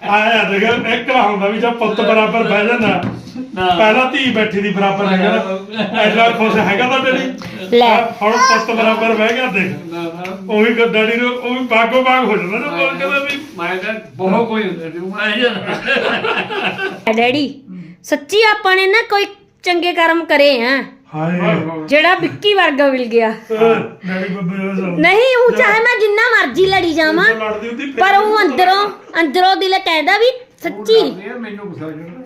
ਆਇਆ ਦੇਖ ਇੱਕ ਨਾ ਹੁੰਦਾ ਵੀ ਜਦ ਪੁੱਤ ਬਰਾਬਰ ਬਹਿ ਜਾਂਦਾ ਪਹਿਲਾਂ ਧੀ ਬੈਠੀ ਦੀ ਬਰਾਬਰ ਹੈਗਾ ਐਡਾ ਖੁਸ਼ ਹੈਗਾ ਤਾਂ ਡੈਡੀ ਲੈ ਹੁਣ ਪੁੱਤ ਬਰਾਬਰ ਬਹਿ ਗਿਆ ਦੇਖ ਉਹ ਵੀ ਡੈਡੀ ਨੂੰ ਉਹ ਵੀ ਬਾਗੋ ਬਾਗ ਹੋ ਜਾਂਦਾ ਨਾ ਬੋਲ ਕਹਿੰਦਾ ਵੀ ਮੈਂ ਤਾਂ ਬਹੁਤ ਕੋਈ ਡੈਡੀ ਸੱਚੀ ਆਪਾਂ ਨੇ ਨਾ ਕੋਈ ਚੰਗੇ ਕਰਮ ਕਰੇ ਆ ਹਾਏ ਜਿਹੜਾ ਵਿੱਕੀ ਵਰਗਾ ਮਿਲ ਗਿਆ ਡੈਡੀ ਬੱਬੇ ਨਹੀਂ ਉਹ ਚਾਹੇ ਮੈਂ ਜਿੰਨਾ ਮਰਜ਼ੀ ਲੜੀ ਜਾਵਾਂ ਲੜਦੀ ਹੁੰਦੀ ਪਰ ਉਹ ਅੰਦਰੋਂ ਦਿਲ ਕਹਿੰਦਾ ਵੀ ਸੱਚੀ ਮੈਨੂੰ ਗੁੱਸਾ ਚੜਦਾ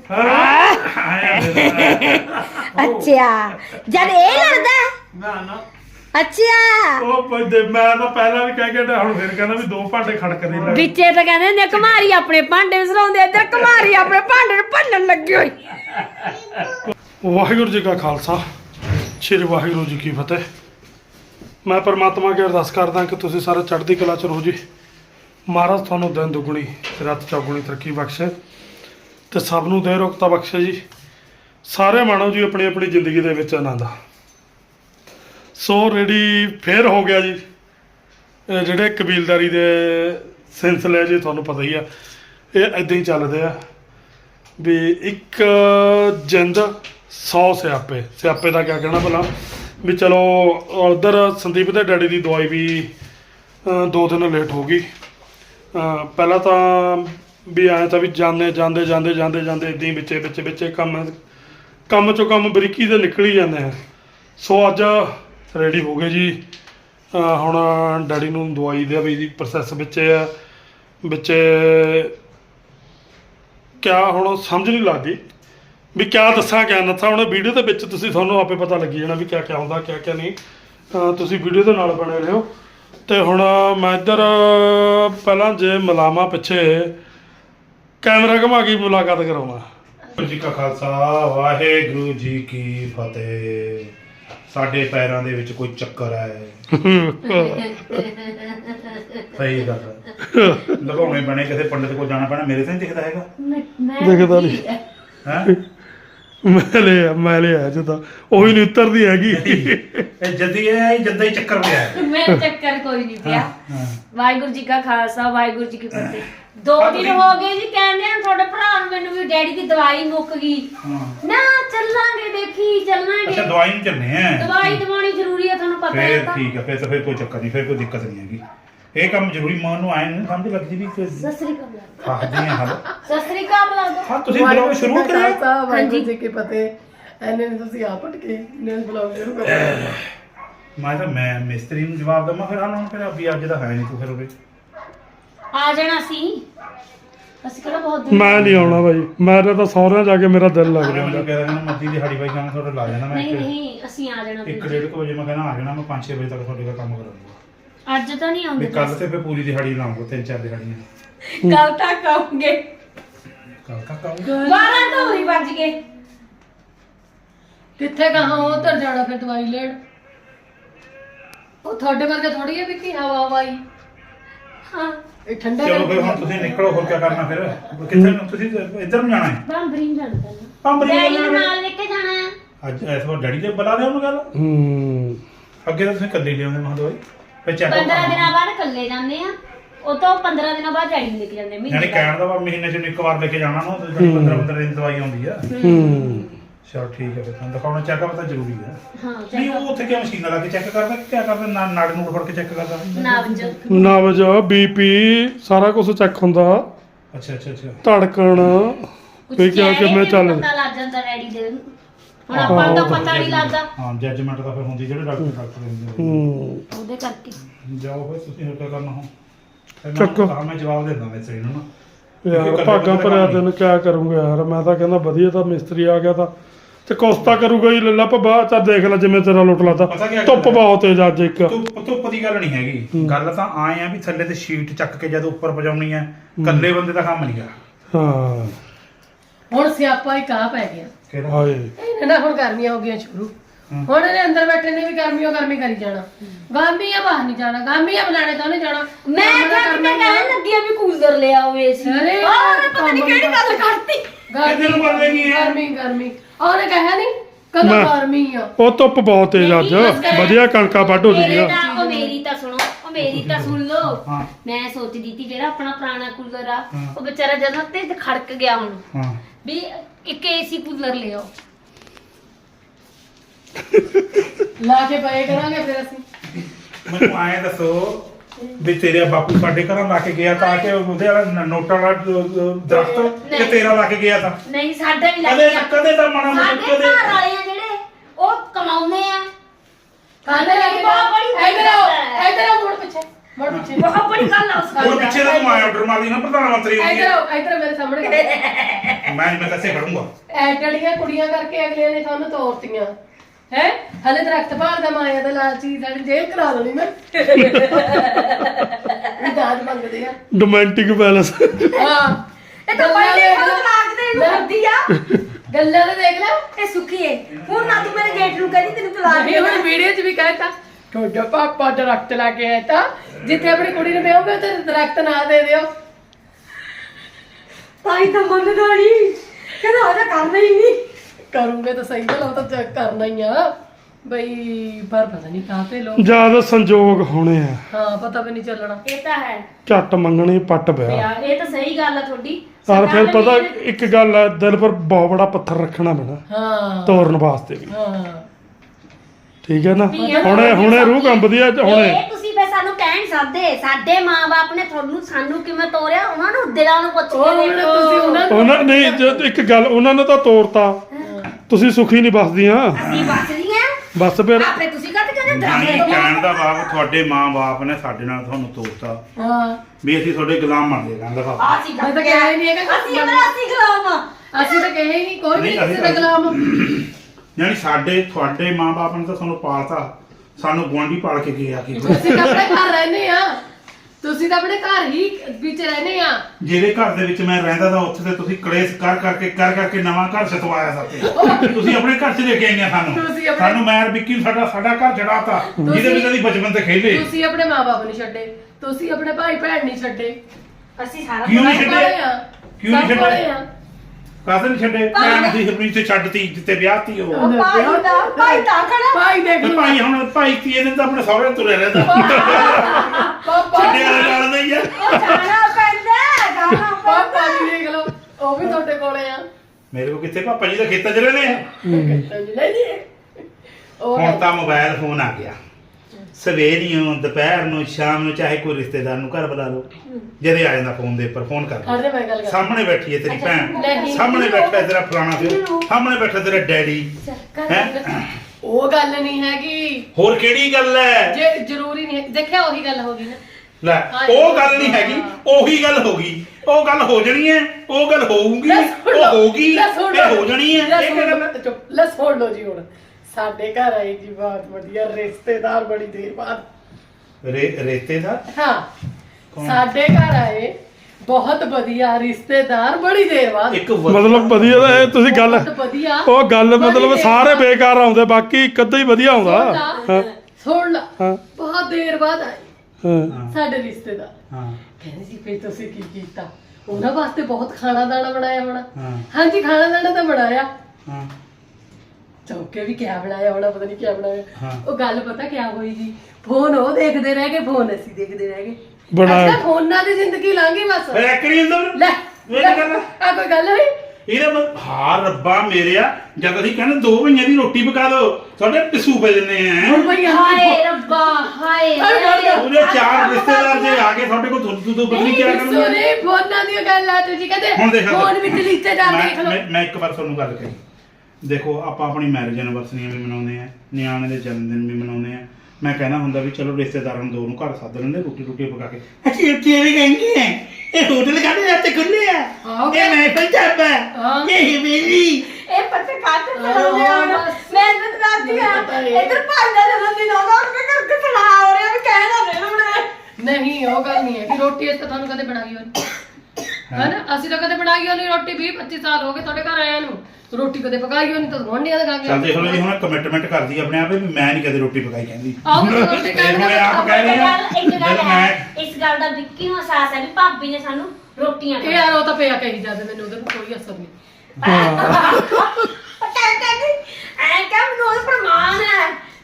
ਅੱਛਾ ਜਦ ਇਹ ਲੜਦਾ ਨਾ ਅੱਛਾ ਉਹ ਬੰਦੇ ਮੈਂ ਤਾਂ ਪਹਿਲਾਂ ਵੀ ਕਹਿ ਕੇ ਤੇ ਹੁਣ ਫਿਰ ਕਹਿੰਦਾ ਵੀ ਦੋ ਭਾਂਡੇ ਖੜਕਦੇ ਲੱਗ ਵਿੱਚੇ ਤਾਂ ਕਹਿੰਦੇ ਨੇ ਕੁਮਾਰੀ ਆਪਣੇ ਭਾਂਡੇ ਵਿਸਰਾਉਂਦੇ ਇੱਧਰ ਕੁਮਾਰੀ ਆਪਣੇ ਭਾਂਡੇ ਨੂੰ ਭੰਨਣ ਲੱਗੀ ਹੋਈ ਵਾਹਿਗੁਰੂ ਜੀ ਕਾ ਖਾਲਸਾ ਸ੍ਰੀ ਵਾਹਿਗੁਰੂ ਜੀ ਕੀ ਫਤਿਹ ਮੈਂ ਪਰਮਾਤਮਾ ਅੱਗੇ ਅਰਦਾਸ ਕਰਦਾ ਕਿ ਤੁਸੀਂ ਸਾਰੇ ਚੜ੍ਹਦੀ ਕਲਾ ਚ ਰਹੋ ਜੀ ਮਹਾਰਾਜ ਤੁਹਾਨੂੰ ਦਿਨ ਦੁਗਣੀ ਰਾਤ ਚੌਗੁਣੀ ਤਰੱਕੀ ਬਖਸ਼ੇ ਤੇ ਸਭ ਨੂੰ ਦੇ ਰੁਕਤਾ ਬਖਸ਼ੇ ਜੀ ਸਾਰੇ ਮਾਣੋ ਜੀ ਆਪਣੀ ਆਪਣੀ ਜ਼ਿੰਦਗੀ ਦੇ ਵਿੱਚ ਆਨੰਦ ਸੋ ਰੈਡੀ ਫੇਰ ਹੋ ਗਿਆ ਜੀ ਇਹ ਜਿਹੜੇ ਕਬੀਲਦਾਰੀ ਦੇ ਸਿਲਸਿਲੇ ਜੀ ਤੁਹਾਨੂੰ ਪਤਾ ਹੀ ਆ ਇਹ ਇਦਾਂ ਹੀ ਚੱਲਦੇ ਆ ਵੀ ਇੱਕ ਜਿੰਦ 100 ਸਿਆਪੇ ਦਾ ਕਿਆ ਕਹਿਣਾ ਭਲਾ ਵੀ ਚਲੋ ਉਧਰ ਸੰਦੀਪ ਦੇ ਡੈਡੀ ਦੀ ਦਵਾਈ ਵੀ 2 ਦਿਨ ਲੇਟ ਹੋ ਗਈ ਪਹਿਲਾਂ ਤਾਂ ਵੀ ਆਇਆ ਤਾਂ ਵੀ ਜਾਂਦੇ ਇਦਾਂ ਹੀ ਵਿੱਚੇ ਕੰਮ ਚੋਂ ਕੰਮ ਬਰੀਕੀ ਦੇ ਨਿਕਲ ਹੀ ਜਾਂਦੇ ਆ ਸੋ ਅੱਜ ਰੈਡੀ ਹੋ ਗਏ ਜੀ ਹੁਣ ਡੈਡੀ ਨੂੰ ਦਵਾਈ ਦਾ ਵੀ ਪ੍ਰੋਸੈਸ ਵਿੱਚ ਕਿਆ ਹੁਣ ਸਮਝ ਨਹੀਂ ਲੱਗਦੀ ਵੀ ਕਿਆ ਦੱਸਾਂ ਕਿਆ ਨੱਥਾ ਹੁਣ ਵੀਡੀਓ ਦੇ ਵਿੱਚ ਤੁਸੀਂ ਤੁਹਾਨੂੰ ਆਪੇ ਪਤਾ ਲੱਗੀ ਜਾਣਾ ਵੀ ਕਿਆ ਕਿਆ ਹੁੰਦਾ ਕਿਆ ਨਹੀਂ ਤੁਸੀਂ ਵੀਡੀਓ ਦੇ ਨਾਲ ਬਣੇ ਰਹੋ ਤੇ ਹੁਣ ਮੈਂ ਇੱਧਰ ਪਹਿਲਾਂ ਜੇ ਮਲਾਮਾ ਪਿੱਛੇ ਕੈਮਰਾ ਘੁਮਾ ਕੇ ਮੁਲਾਕਾਤ ਕਰਾਉਣਾ ਵਾਹਿਗੁਰੂ ਜੀ ਕਾ ਖਾਲਸਾ ਵਾਹਿਗੁਰੂ ਜੀ ਕੀ ਫਤਿਹ ਸਾਡੇ ਪੈਰਾਂ ਦੇ ਵਿੱਚ ਕੋਈ ਚੱਕਰ ਹੈ ਸਹੀ ਗੱਲ ਹੈ ਲਗਾਉਣੇ ਬਣੇ ਕਿਸੇ ਪੰਡਿਤ ਕੋਲ ਜਾਣਾ ਪੈਣਾ ਮੇਰੇ ਤਾਂ ਨਹੀਂ ਦਿਖਦਾ ਹੈਗਾ ਦਿਖਦਾ ਨਹੀਂ ਹੈ ਮੈਂ ਲਿਆ ਜਦਾਂ ਉਹੀ ਨਹੀਂ ਉਤਰਦੀ ਹੈਗੀ ਇਹ ਜਦੀ ਹੈ ਜਦਾਂ ਹੀ ਚੱਕਰ ਪਿਆ ਹੈ ਮੇਰਾ ਚੱਕਰ ਕੋਈ ਨਹੀਂ ਪਿਆ ਵਾਹਿਗੁਰੂ ਜੀ ਕਾ ਖਾਲਸਾ ਵਾਹਿਗੁਰੂ ਜੀ ਕੀ ਫਤਿਹ 2 ਦਿਨ ਹੋ ਗਏ ਜੀ ਕਹਿੰਦੇ ਆ ਤੁਹਾਡੇ ਭਰਾ ਨੂੰ ਮੈਨੂੰ ਵੀ ਡੈਡੀ ਦੀ ਦਵਾਈ ਮੁੱਕ ਗਈ ਨਾ ਚੱਲਾਂਗੇ ਦੇਖੀ ਚੱਲਾਂਗੇ ਅੱਛਾ ਦਵਾਈ ਨੂੰ ਚੱਲਨੇ ਆ ਦਵਾਈ ਦਵਾਉਣੀ ਜ਼ਰੂਰੀ ਹੈ ਤੁਹਾਨੂੰ ਪਤਾ ਹੈ ਫਿਰ ਠੀਕ ਹੈ ਫਿਰ ਤਾਂ ਫਿਰ ਕੋਈ ਚੱਕਰ ਨਹੀਂ ਫਿਰ ਕੋਈ ਦਿੱਕਤ ਨਹੀਂ ਹੈਗੀ ਇਹ ਕੰਮ ਜ਼ਰੂਰੀ ਮਾਂ ਨੂੰ ਆਏ ਨਹੀਂ ਸਮਝ ਲੱਗਦੀ ਵੀ ਸਤਿ ਸ੍ਰੀ ਅਕਾਲ ਹਾਂ ਜੀ ਹਾਂ ਸਤਿ ਸ੍ਰੀ ਅਕਾਲ ਬੁਲਾ ਦੋ ਹਾਂ ਤੁਸੀਂ ਬਲੌਗ ਸ਼ੁਰੂ ਕਰਿਆ ਵਾਹਿਗੁਰੂ ਜੀ ਕੀ ਫਤਿਹ ਐਨੇ ਤੁਸੀਂ ਆਪ ਟਕੇ ਨੇ ਬਲੌਗ ਸ਼ੁਰੂ ਕਰੋ ਮੈਂ ਮਿਸਤਰੀ ਨੂੰ ਜਵਾਬ ਦਵਾਂ ਫਿਰ ਉਹਨਾਂ ਨੂੰ ਫਿਰ ਅੱਜ ਦਾ ਹੈ ਨਹੀਂ ਤੂੰ ਫਿਰ ਉਰੇ ਆ ਜਾਣਾ ਸੀ ਅਸੀਂ ਕਿਹੜਾ ਬਹੁਤ ਦੂਰ ਮੈਂ ਨਹੀਂ ਆਉਣਾ ਬਾਈ ਮੈਂ ਤਾਂ ਸਹੁਰਿਆਂ ਜਾ ਕੇ ਮੇਰਾ ਦਿਲ ਲੱਗ ਜਾਂਦਾ ਮੈਂ ਕਹਿੰਦਾ ਮੱਦੀ ਦੀ ਹੜੀ ਬਾਈ ਜਾਣਾ ਤੁਹਾਡੇ ਲਾ ਜਾਣਾ ਮੈਂ ਨਹੀਂ ਅਸੀਂ ਆ ਜਾਣਾ 1:30 ਵਜੇ ਮੈਂ ਕਹਿੰਦਾ ਆ ਜਾਣਾ ਮੈਂ 5-6 ਵਜੇ ਤੱਕ ਤੁਹਾਡੇ ਦਾ ਕੰਮ ਕਰਾਂਗਾ ਅੱਜ ਤਾਂ ਨਹੀਂ ਆਉਂਦੇ ਕੱਲ ਤੇ ਫਿਰ ਪੂਰੀ ਦਿਹਾੜੀ ਲਾਉਂਗਾ 3-4 ਦਿਹਾੜੀਆਂ ਕੱਲ ਤੱਕ ਆਉਂਗੇ ਕੱਲ ਤੱਕ ਆਉਂਗਾ 12 ਤਾਂ ਹੋਈ ਵੱਜ ਗਏ ਕਿੱਥੇ ਕਹਾਂ ਉਧਰ ਜਾਣਾ ਫਿਰ ਦਵਾਈ ਲੈਣ ਉਹ ਤੁਹਾਡੇ ਵਰਗੇ ਥੋੜੀ ਹੈ ਵੀ ਕੀ ਹਵਾ ਹਵਾਈ ਹਾਂ ਇਹ ਠੰਡਾ ਚਲੋ ਫਿਰ ਹੁਣ ਤੁਸੀਂ ਨਿਕਲੋ ਹੋਰ ਕੀ ਕਰਨਾ ਫਿਰ ਕਿੱਥੇ ਨੂੰ ਤੁਸੀਂ ਇੱਧਰ ਨੂੰ ਜਾਣਾ ਹੈ ਬੰਬਰੀ ਜਾਣਾ ਪਹਿਲਾਂ ਪੰਬਰੀ ਡੈਡੀ ਨੂੰ ਨਾਲ ਲੈ ਕੇ ਜਾਣਾ ਹੈ ਅੱਜ ਇਸ ਵਾਰ ਡੈਡੀ ਦੇ ਬੁਲਾ ਲਿਆ ਉਹਨੂੰ ਗੱਲ ਅੱਗੇ ਤਾਂ ਤੁਸੀਂ ਇਕੱਲੇ ਲਿਆਉਂਦੇ ਮਾਂ ਦਵਾਈ ਫਿਰ ਚੈੱਕ 15 ਦਿਨਾਂ ਬਾਅਦ ਇਕੱਲੇ ਜਾਂਦੇ ਆ ਉਹ ਤੋਂ 15 ਦਿਨਾਂ ਬਾਅਦ ਡੈਡੀ ਨੂੰ ਲੈ ਕੇ ਜਾਂਦੇ ਯਾਨੀ ਮਹੀਨੇ ਕਹਿਣ ਦਾ ਵਾ ਮਹੀਨੇ ਚ ਇੱਕ ਵਾਰ ਲੈ ਕੇ ਜਾਣਾ ਨਾ 15 ਦਿਨ ਦਵਾਈ ਆਉਂਦੀ ਆ ਚਲ ਠੀਕ ਹੈ ਫਿਰ ਤੁਹਾਨੂੰ ਦਿਖਾਉਣਾ ਚੈੱਕਅਪ ਤਾਂ ਜ਼ਰੂਰੀ ਹੈ ਹਾਂ ਨਹੀਂ ਉਹ ਉੱਥੇ ਕਿਉਂ ਮਸ਼ੀਨਾਂ ਲਾ ਕੇ ਚੈੱਕ ਕਰਦਾ ਕਿ ਕਿਆ ਕਰਦਾ ਨਾੜ ਨੂੜ ਫੜ ਕੇ ਚੈੱਕ ਕਰਦਾ ਨਬਜ ਬੀਪੀ ਸਾਰਾ ਕੁਝ ਚੈੱਕ ਹੁੰਦਾ ਅੱਛਾ ਧੜਕਣ ਵੀ ਕਿਆ ਕਿਵੇਂ ਚੱਲ ਪਤਾ ਲੱਗ ਜਾਂਦਾ ਡੈਡੀ ਦੇ ਹੁਣ ਆਪਾਂ ਨੂੰ ਤਾਂ ਪਤਾ ਨਹੀਂ ਲੱਗਦਾ ਹਾਂ ਜੱਜਮੈਂਟ ਤਾਂ ਫਿਰ ਹੁੰਦੀ ਜਿਹੜੇ ਡਾਕਟਰ ਹੁੰਦੇ ਉਹਦੇ ਕਰਕੇ ਜਾਓ ਫਿਰ ਤੁਸੀਂ ਹੋਰ ਕੀ ਕਰਨਾ ਹੋ ਮੈਂ ਜਵਾਬ ਦਿੰਦਾ ਵੈਸੇ ਇਹਨਾਂ ਨੂੰ ਯਾਰ ਭਾਗਾਂ ਭਰਿਆ ਦਿਨ ਕਿਆ ਕਰੂੰਗਾ ਯਾਰ ਮੈਂ ਤਾਂ ਕਹਿੰਦਾ ਵਧੀਆ ਤਾਂ ਮਿਸਤਰੀ ਆ ਗਿਆ ਤਾਂ ਤੇ ਕੋਸਤਾ ਕਰੂਗਾ ਹੀ ਲੱਲਾ ਭੱਬਾ ਚਾ ਦੇਖ ਲੈ ਜਿਵੇਂ ਤੇਰਾ ਲੁੱਟ ਲਾਤਾ ਧੁੱਪ ਬਹੁਤ ਤੇਜ਼ ਅੱਜ ਇੱਕ ਧੁੱਪ ਦੀ ਗੱਲ ਨਹੀਂ ਹੈਗੀ ਗੱਲ ਤਾਂ ਆਏ ਆ ਵੀ ਥੱਲੇ ਤੇ ਸ਼ੀਟ ਚੱਕ ਕੇ ਜਦ ਉੱਪਰ ਪਜਾਉਣੀ ਹੈ ਇਕੱਲੇ ਬੰਦੇ ਦਾ ਕੰਮ ਨਹੀਂ ਗਾ ਹਾਂ ਹੁਣ ਸਿਆਪਾ ਹੀ ਕਾਹ ਪੈ ਗਿਆ ਕਿਹੜਾ ਹਾਏ ਇਹਨਾਂ ਨਾਲ ਹੁਣ ਗਰਮੀਆਂ ਹੋ ਗਈਆਂ ਸ਼ੁਰੂ ਹੁਣ ਇਹਨੇ ਅੰਦਰ ਬੈਠੇ ਨੇ ਵੀ ਗਰਮੀ ਕਰੀ ਜਾਣਾ ਗਾਮੀ ਆ ਬਾਹਰ ਨਹੀਂ ਜਾਣਾ ਗਾਮੀ ਆ ਬੁਲਾਣੇ ਤਾਂ ਉਹਨੇ ਜਾਣਾ ਮੈਂ ਕਹਿਣ ਲੱਗੀ ਆ ਵੀ ਕੂਲਰ ਲੈ ਆਓ ਏਸੀ ਅਰੇ ਪਤਾ ਨਹੀਂ ਕਿਹੜੀ ਗੱਲ ਕਰਤੀ ਗਰਮੀ ਉਹਨੇ ਕਹਿਆ ਨਹੀਂ ਕਦੋਂ ਗਰਮੀ ਆ ਉਹ ਧੁੱਪ ਬਹੁਤ ਤੇਜ਼ ਅੱਜ ਵਧੀਆ ਕਣਕਾਂ ਵੱਢ ਹੋ ਜੂਗੀਆਂ ਉਹ ਮੇਰੀ ਤਾਂ ਸੁਣੋ ਉਹ ਮੇਰੀ ਤਾਂ ਸੁਣ ਲਓ ਹਾਂ। ਮੈਂ ਸੋਚਦੀ ਸੀ ਜਿਹੜਾ ਆਪਣਾ ਪੁਰਾਣਾ ਕੂਲਰ ਆ ਹਾਂ। ਉਹ ਵਿਚਾਰਾ ਜਦੋਂ ਤੇ ਖੜਕ ਗਿਆ ਹੁਣ ਹਾਂ ਵੀ ਇੱਕ ਏਸੀ ਕੂਲਰ ਲਿਓ ਲਾ ਕੇ ਪਏ ਕਰਾਂਗੇ ਫਿਰ ਅਸੀਂ। ਮੈਨੂੰ ਆਏ ਦੱਸੋ ਵੀ ਤੇਰੇ ਬਾਪੂ ਸਾਡੇ ਘਰਾਂ ਲਾ ਕੇ ਗਿਆ ਤਾਂ ਕਿ ਉਹਦੇ ਵਾਲਾ ਨੋਟਾਂ ਵਾਲਾ ਦਰਖਤ ਤੇ ਤੇਰਾ ਲਾ ਕੇ ਗਿਆ ਤਾਂ ਨਹੀਂ ਸਾਡਾ ਵੀ ਲੱਗ ਕਦੇ ਗਿਆ ਕਦੇ ਤਾਂ ਮਾੜਾ ਮੋਟਾ ਸਾਡੇ ਕਦੇ ਘਰ ਵਾਲੇ ਆ ਜਿਹੜੇ ਉਹ ਕਮਾਉਂਦੇ ਆ ਖਾਣੇ ਲੱਗੇ ਬਹੁਤ ਬੜੀ ਇਧਰ ਆਓ ਮੁੜ ਪਿੱਛੇ ਮੁੜ ਪਿੱਛੇ ਬਹੁਤ ਬੜੀ ਗੱਲ ਆ ਉਸ ਹੁਣ ਗੱਲ ਪਿੱਛੇ ਤਾਂ ਤੂੰ ਆਇਆ ਆਰਡਰ ਮਾਰਦੀ ਨਾ ਪ੍ਰਧਾਨ ਮੰਤਰੀ ਹੋਣੀ ਇਧਰ ਆਓ ਇਧਰ ਮੇਰੇ ਸਾਹਮਣੇ ਕਰੋ। ਮੈਂ ਕਸੇ ਖੜੂੰਗਾ ਐਟੜੀਆਂ ਕੁੜੀਆਂ ਕਰਕੇ ਅਗਲੇ ਨੇ ਤੁਹਾਨੂੰ ਤੋਰਤੀਆਂ ਹੈ ਹਲੇ ਦਰਖਤ ਭਾਰ ਦਾ ਮਾਇਆ ਦਾ ਲਾਲਚੀ ਸਾਡੀ ਜੇਲ੍ਹ ਕਰਾ ਦੇਣੀ ਮੈਂ ਇਹ ਦਾਜ ਮੰਗਦੇ ਆ ਡੋਮੈਂਟਿਕ ਪੈਲਸ ਹਾਂ ਇਹ ਤਾਂ ਪਹਿਲੇ ਕੋਲ ਤਲਾਕ ਦੇ ਨੂੰ ਕਰਦੀ ਆ ਗੱਲਾਂ ਤਾਂ ਦੇਖ ਲੈ ਇਹ ਸੁੱਖੀ ਏ ਹੁਣ ਨਾ ਤੂੰ ਮੇਰੇ ਗੇਟ ਨੂੰ ਕਹਿੰਦੀ ਤੈਨੂੰ ਤਲਾਕ ਨਹੀਂ ਹੁਣ ਵੀਡੀਓ 'ਚ ਵੀ ਕਹਿਤਾ ਤੁਹਾਡਾ ਪਾਪਾ ਦਰਖਤ ਲਾ ਕੇ ਆਇਆ ਤਾਂ ਜਿੱਥੇ ਆਪਣੀ ਕੁੜੀ ਨੂੰ ਵਿਆਹੋਗੇ ਤੇ ਦਰਖਤ ਨਾ ਦੇ ਦਿਓ ਤਾਈ ਤਾਂ ਮੰਨਦਾ ਨਹੀਂ ਕਹਿੰਦਾ ਉਹਦਾ ਕੰਮ ਹੀ ਨਹੀਂ ਕਰੂੰਗੇ ਤਾਂ ਸਹੀ ਗੱਲ ਉਹ ਤਾਂ ਚੈੱਕ ਕਰਨਾ ਹੀ ਆ ਬਈ ਪਰ ਪਤਾ ਨਹੀਂ ਕਾਹਤੇ ਲੋਕ ਜਿਆਦਾ ਸੰਜੋਗ ਹੋਣੇ ਆ ਹਾਂ ਪਤਾ ਵੀ ਨਹੀਂ ਚੱਲਣਾ ਇਹ ਤਾਂ ਹੈ ਝੱਟ ਮੰਗਣੀ ਪੱਟ ਪਿਆ ਯਾਰ ਇਹ ਤਾਂ ਸਹੀ ਗੱਲ ਆ ਤੁਹਾਡੀ ਪਰ ਫਿਰ ਸਰਕਾਰ ਪਤਾ ਨੇ ਇੱਕ ਗੱਲ ਹੈ ਦਿਲ ਪਰ ਬਹੁਤ ਬੜਾ ਪੱਥਰ ਰੱਖਣਾ ਪੈਣਾ ਹਾਂ ਤੋਰਨ ਵਾਸਤੇ ਵੀ ਹਾਂ ਠੀਕ ਹੈ ਨਾ ਧੀਆਂ ਹੁਣੇ ਰੂਹ ਕੰਬਦੀ ਆ ਹੁਣੇ ਇਹ ਤੁਸੀਂ ਫੇ ਸਾਨੂੰ ਕਹਿ ਨਹੀਂ ਸਕਦੇ ਸਾਡੇ ਮਾਂ-ਬਾਪ ਨੇ ਤੁਹਾਨੂੰ ਸਾਨੂੰ ਕਿਵੇਂ ਤੋਰਿਆ ਉਹਨਾਂ ਨੂੰ ਦਿਲਾਂ ਨੂੰ ਪੁੱਛ ਉਹ ਕੇ ਹੁਣ ਦੇਖੋ ਤੁਸੀਂ ਉਹਨਾਂ ਨੂੰ ਉਹਨਾਂ ਨਹੀਂ ਇੱਕ ਗੱਲ ਉਹਨਾਂ ਨੇ ਤਾਂ ਤੋਰਤਾ ਤੁਸੀਂ ਸੁਖੀ ਨਹੀਂ ਬਸਦੀਆਂ ਅਸੀਂ ਬਚਦੀਆਂ ਬਸ ਫਿਰ ਆਪੇ ਤੁਸੀਂ ਕਦ ਕਹਿੰਦੇ ਨਹੀਂ ਦਰਾਂਗੇ ਕਹਿਣ ਦਾ ਭਾਵ ਤੁਹਾਡੇ ਮਾਂ-ਬਾਪ ਨੇ ਸਾਡੇ ਨਾਲ ਤੁਹਾਨੂੰ ਤੋਰਤਾ ਹਾਂ ਵੀ ਅਸੀਂ ਤੁਹਾਡੇ ਗੁਲਾਮ ਬਣ ਗਏ ਕਹਿੰਦਾ ਭਾਵ ਅਸੀਂ ਮੈਂ ਤਾਂ ਕਿਹਾ ਹੀ ਨਹੀਂ ਹੈਗਾ ਅਸੀਂ ਅਸੀਂ ਗੁਲਾਮ ਅਸੀਂ ਤਾਂ ਕਹੇ ਹੀ ਨਹੀਂ ਕੋਈ ਨਹੀਂ ਨਹੀਂ, ਕਿਸੇ ਦਾ ਗੁਲਾਮ ਯਾਨੀ ਤੁਹਾਡੇ ਮਾਂ-ਬਾਪ ਨੇ ਤਾਂ ਤੁਹਾਨੂੰ ਪਾਲਤਾ ਸਾਨੂੰ ਗੁਆਂਢੀ ਪਾਲ ਕੇ ਗਏ ਆ ਕਿ ਤੁਸੀਂ ਤਾਂ ਆਪਣੇ ਘਰ ਰਹਿੰਦੇ ਆ ਤੁਸੀਂ ਤਾਂ ਆਪਣੇ ਘਰ ਹੀ ਵਿੱਚ ਰਹਿੰਦੇ ਆ ਜਿਹੜੇ ਘਰ ਦੇ ਵਿੱਚ ਮੈਂ ਰਹਿੰਦਾ ਤਾਂ ਉੱਥੇ ਤੇ ਤੁਸੀਂ ਕਲੇਸ਼ ਕਰ ਕਰਕੇ ਨਵਾਂ ਘਰ ਸਤਵਾਇਆ ਸਾਤੇ ਤੁਸੀਂ ਆਪਣੇ ਘਰ 'ਚ ਲੈ ਕੇ ਆਈਆਂ ਤੁਸੀਂ ਆਪਣੇ- ਸਾਨੂੰ ਮੈਂ ਵਿੱਕੀ ਨੂੰ ਸਾਡਾ ਘਰ ਛਡਾਤਾ ਜਿਹਦੇ ਵਿੱਚ ਅਸੀਂ ਬਚਪਨ ਤੇ ਖੇਡੇ ਤੁਸੀਂ ਆਪਣੇ ਮਾਪੇ ਨਹੀਂ ਛੱਡੇ ਤੁਸੀਂ ਆਪਣੇ ਭਾਈ ਭੈਣ ਨਹੀਂ ਛੱਡੇ ਅਸੀਂ ਸਾਰਾ ਕਿਉਂ ਨਹੀਂ ਸਭ ਛੱਡੇ? ਕੋਲੇ ਆ ਕਿਉਂ ਨਹੀਂ ਸਭ ਛੱਡੇ? ਕੋਲੇ ਆ ਕਾਹਦੇ ਨਹੀਂ ਛੱਡੇ ਭੈਣ ਦੀ ਹਰਮੀਤ ਤੇ ਛੱਡਤੀ ਜਿੱਤੇ ਵਿਆਹਤੀ ਉਹ ਭਾਈ ਤਾਂ ਖੜਾ ਭਾਈ ਦੇਖ ਤੇ ਲਓ ਭਾਈ ਹੁਣ ਭਾਈ ਤੀਏ ਦਿਨ ਤਾਂ ਆਪਣੇ ਸਹੁਰੇ ਤੁਰਿਆ ਰਹਿੰਦਾ ਪਾਪਾ ਛੱਡਿਆ ਨਾਲ ਨਹੀਂ ਆ ਉਹ ਜਾਣਾ ਪੈਂਦਾ ਜਾਣਾ ਪਾਪਾ ਵੀ ਦੇਖ ਲਓ ਉਹ ਵੀ ਤੁਹਾਡੇ ਕੋਲੇ ਆ ਮੇਰੇ ਕੋ ਕਿੱਥੇ ਪਾਪਾ ਜੀ ਦਾ ਖੇਤਾਂ 'ਚ ਰਹਿੰਦੇ ਆ ਨਹੀਂ ਜੀ ਉਹ ਹੁਣ ਤਾਂ ਮੋਬਾਈਲ ਫੋਨ ਆ ਗਿਆ ਸਵੇਰੀਓ ਦੁਪਹਿਰ ਨੂੰ ਸ਼ਾਮ ਨੂੰ ਚਾਹੇ ਕੋਈ ਰਿਸ਼ਤੇਦਾਰ ਨੂੰ ਘਰ ਬੁਲਾ ਲਓ ਜਦੇ ਆ ਜਾਂਦਾ ਫੋਨ ਦੇ ਉੱਪਰ ਫੋਨ ਕਰ ਲਓ। ਕਰਦੇ ਮੈਂ ਗੱਲ ਕਰ ਸਾਹਮਣੇ ਬੈਠੀ ਹੈ ਤੇਰੀ ਭੈਣ ਨਹੀਂ। ਸਾਹਮਣੇ ਬੈਠਾ ਤੇਰਾ ਫਲਾਣਾ ਫਿਰ ਸਾਹਮਣੇ ਬੈਠਾ ਤੇਰਾ ਡੈਡੀ ਹੈ ਉਹ ਗੱਲ ਨਹੀਂ ਹੈਗੀ ਹੋਰ ਕਿਹੜੀ ਗੱਲ ਹੈ ਜੇ ਜ਼ਰੂਰੀ ਨਹੀਂ ਹੈ ਦੇਖਿਆ ਉਹੀ ਗੱਲ ਹੋ ਗਈ ਨਾ ਲੈ ਉਹ ਗੱਲ ਨਹੀਂ ਹੈਗੀ ਉਹੀ ਗੱਲ ਹੋ ਗਈ ਉਹ ਗੱਲ ਹੋ ਜਣੀ ਹੈ ਉਹ ਗੱਲ ਹੋਊਗੀ ਉਹ ਹੋਊਗੀ ਇਹ ਹੋ ਜਣੀ ਹੈ ਇਹ ਗੱਲ ਲੈ ਸੁਣ ਲਓ ਜੀ ਹੁਣ ਸਾਡੇ ਘਰ ਆਏ ਜੀ ਬਹੁਤ ਵਧੀਆ ਰਿਸ਼ਤੇਦਾਰ ਬੜੀ ਦੇਰ ਬਾਅਦ ਰਿਸ਼ਤੇਦਾਰ ਹਾਂ ਸਾਡੇ ਘਰ ਆਏ ਬਹੁਤ ਵਧੀਆ ਰਿਸ਼ਤੇਦਾਰ ਬੜੀ ਦੇਰ ਬਾਅਦ ਇੱਕ ਮਤਲਬ ਵਧੀਆ ਤਾਂ ਇਹ ਤੁਸੀਂ ਗੱਲ ਬਹੁਤ ਵਧੀਆ ਉਹ ਗੱਲ ਮਤਲਬ ਸਾਰੇ ਬੇਕਾਰ ਆਉਂਦੇ ਬਾਕੀ ਇੱਕ ਅੱਧਾ ਹੀ ਵਧੀਆ ਆਉਂਦਾ ਹਾਂ ਸੁਣ ਲਾ ਹਾਂ ਬਹੁਤ ਦੇਰ ਬਾਅਦ ਆਏ ਹਾਂ ਸਾਡੇ ਰਿਸ਼ਤੇਦਾਰ ਹਾਂ ਕਹਿੰਦੇ ਸੀ ਫਿਰ ਤੁਸੀਂ ਕੀ ਕੀਤਾ ਉਹਨਾਂ ਵਾਸਤੇ ਬਹੁਤ ਖਾਣਾ ਦਾਣਾ ਬਣਾਇਆ ਹੋਣਾ ਹਾਂ ਹਾਂਜੀ ਖਾਣਾ ਦਾਣਾ ਤਾਂ ਬਣਾਇਆ ਹਾਂ ਚੌਕੇ ਵੀ ਕਿਆ ਬਣਾਇਆ ਹੋਣਾ ਪਤਾ ਨਹੀਂ ਕਿਆ ਬਣਾਇਆ ਹਾਂ। ਉਹ ਗੱਲ ਪਤਾ ਕਿਆ ਹੋਈ ਜੀ ਫੋਨ ਉਹ ਦੇਖਦੇ ਰਹਿ ਗਏ ਫੋਨ ਅਸੀਂ ਦੇਖਦੇ ਰਹਿ ਗਏ ਬਣਾਇਆ। ਅੱਛਾ ਫੋਨਾਂ ਦੀ ਜ਼ਿੰਦਗੀ ਲੰਘੀ ਬਸ ਫਿਰ ਇੱਕ ਨਹੀਂ ਹੁੰਦਾ ਲੈ ਇਹ ਕੀ ਗੱਲ ਆ? ਆ ਕੋਈ ਗੱਲ ਹੋਈ ਇਹਦਾ ਹਾਂ ਰੱਬਾ ਮੇਰਿਆ ਜਦ ਅਸੀਂ ਕਹਿੰਦੇ ਦੋ ਭਈਆਂ ਦੀ ਰੋਟੀ ਪਕਾ ਦਿਓ ਤੁਹਾਡੇ ਪਿੱਸੂ ਪੈ ਜੰਨੇ ਆ ਹੁਣ ਭਈ ਹਾਏ ਰੱਬਾ ਹਾਏ ਉਹਦੇ ਚਾਰ ਰਿਸ਼ਤੇਦਾਰ ਜੇ ਆ ਕੇ ਤੁਹਾਡੇ ਕੋਲ ਦੁੱਧ ਬਦਲੀ ਕਿਆ ਕਰਨਗੇ ਸੁਣੇ ਫੋਨਾਂ ਦੀ ਗੱਲ ਆ ਤੁਸੀਂ ਹੁਣ ਕਹਿੰਦੇ ਦੇਖ ਫੋਨ ਵਿੱਚ ਲੀਚੇ ਜਾ ਦੇਖ ਲਓ ਮੈਂ ਇੱਕ ਵਾਰ ਤੁਹਾਨੂੰ ਗੱਲ ਕਹੀ ਦੇਖੋ ਆਪਾਂ ਆਪਣੀ ਮੈਰਿਜ ਐਨਵਰਸਰੀਆਂ ਵੀ ਮਨਾਉਂਦੇ ਆ ਨਿਆਣੇ ਦੇ ਜਨਮ ਦਿਨ ਵੀ ਮਨਾਉਂਦੇ ਆ ਮੈਂ ਕਹਿੰਦਾ ਹੁੰਦਾ ਵੀ ਚਲੋ ਰਿਸ਼ਤੇਦਾਰਾਂ ਨੂੰ ਦੋ ਨੂੰ ਘਰ ਸੱਦ ਲੈਂਦੇ ਰੋਟੀ ਪਕਾ ਕੇ ਅਸੀਂ ਤੇਰੇ ਕਹਿੰਦੇ ਆ ਇਹ ਹੋਟਲ ਕਾਹਦੇ ਵਾਸਤੇ ਖੁੱਲੇ ਆ ਇਹ ਮੈਂ ਪੰਜਾਬ ਹਾਂ। ਇਹ ਮੇਰੀ ਇਹ ਪੱਤੇ ਕੱਟ ਲਾਉਂਦੇ ਹੁਣ ਮੈਂ ਤਾਂ ਰਾਤੀ ਆ ਇਧਰ ਭਾਈ ਦਾ ਜਨਮ ਦਿਨ ਆਉਂਦਾ ਉਹਨੇ ਕਰਕੇ ਸੁਣਾ ਹੋ ਰਿਹਾ ਵੀ ਕਹਿਣਾ ਦੇ ਉਹਨੇ ਨਹੀਂ ਉਹ ਗੱਲ ਨਹੀਂ ਹੈ ਕਿ ਰੋਟੀ ਅਸੀਂ ਤਾਂ ਤੁਹਾਨੂੰ ਕਦੇ ਬਣਾਈ ਹੋਣੀ ਹੈਨਾ ਅਸੀਂ ਤਾਂ ਕਦੇ ਬਣਾਈ ਹੋਣੀ ਰੋਟੀ 20-25 ਸਾਲ ਹੋ ਗਏ ਤੁਹਾਡੇ ਘਰ ਆਇਆ ਨੂੰ ਰੋਟੀ ਕਦੇ ਪਕਾਈ ਹੋਣੀ ਤਾਂ ਰੋਣੀਆਂ ਦਾ ਖਾਂਗੇ ਚੱਲ ਦੇਖ ਲਓ ਜੀ ਹੁਣ ਕਮਿਟਮੈਂਟ ਕਰਦੀ ਆਪਣੇ ਆਪ ਵੀ ਮੈਂ ਨਹੀਂ ਕਦੇ ਰੋਟੀ ਪਕਾਈ ਕਹਿੰਦੀ ਆਓ ਰੋਟੀ ਇਹ ਹੁਣ ਆਪ ਕਹਿ ਰਹੀ ਆ ਇੱਕ ਗੱਲ ਜਦ ਹੈ ਮੈਂ ਇਸ ਗੱਲ ਦਾ ਵਿੱਕੀ ਨੂੰ ਅਹਿਸਾਸ ਹੈ ਵੀ ਭਾਬੀ ਨੇ ਸਾਨੂੰ ਰੋਟੀਆਂ ਇਹ ਯਾਰ ਉਹ ਤਾਂ ਪਿਆ ਕਹੀ ਜਾਂਦੇ ਮੈਨੂੰ ਉਹਦੇ ਨੂੰ ਕੋਈ ਅਸਰ ਨਹੀਂ ਕਹਿੰਦੀ ਐ ਕਿ ਮੈਨੂੰ ਉਹ ਪ੍ਰਮਾਣ ਹੈ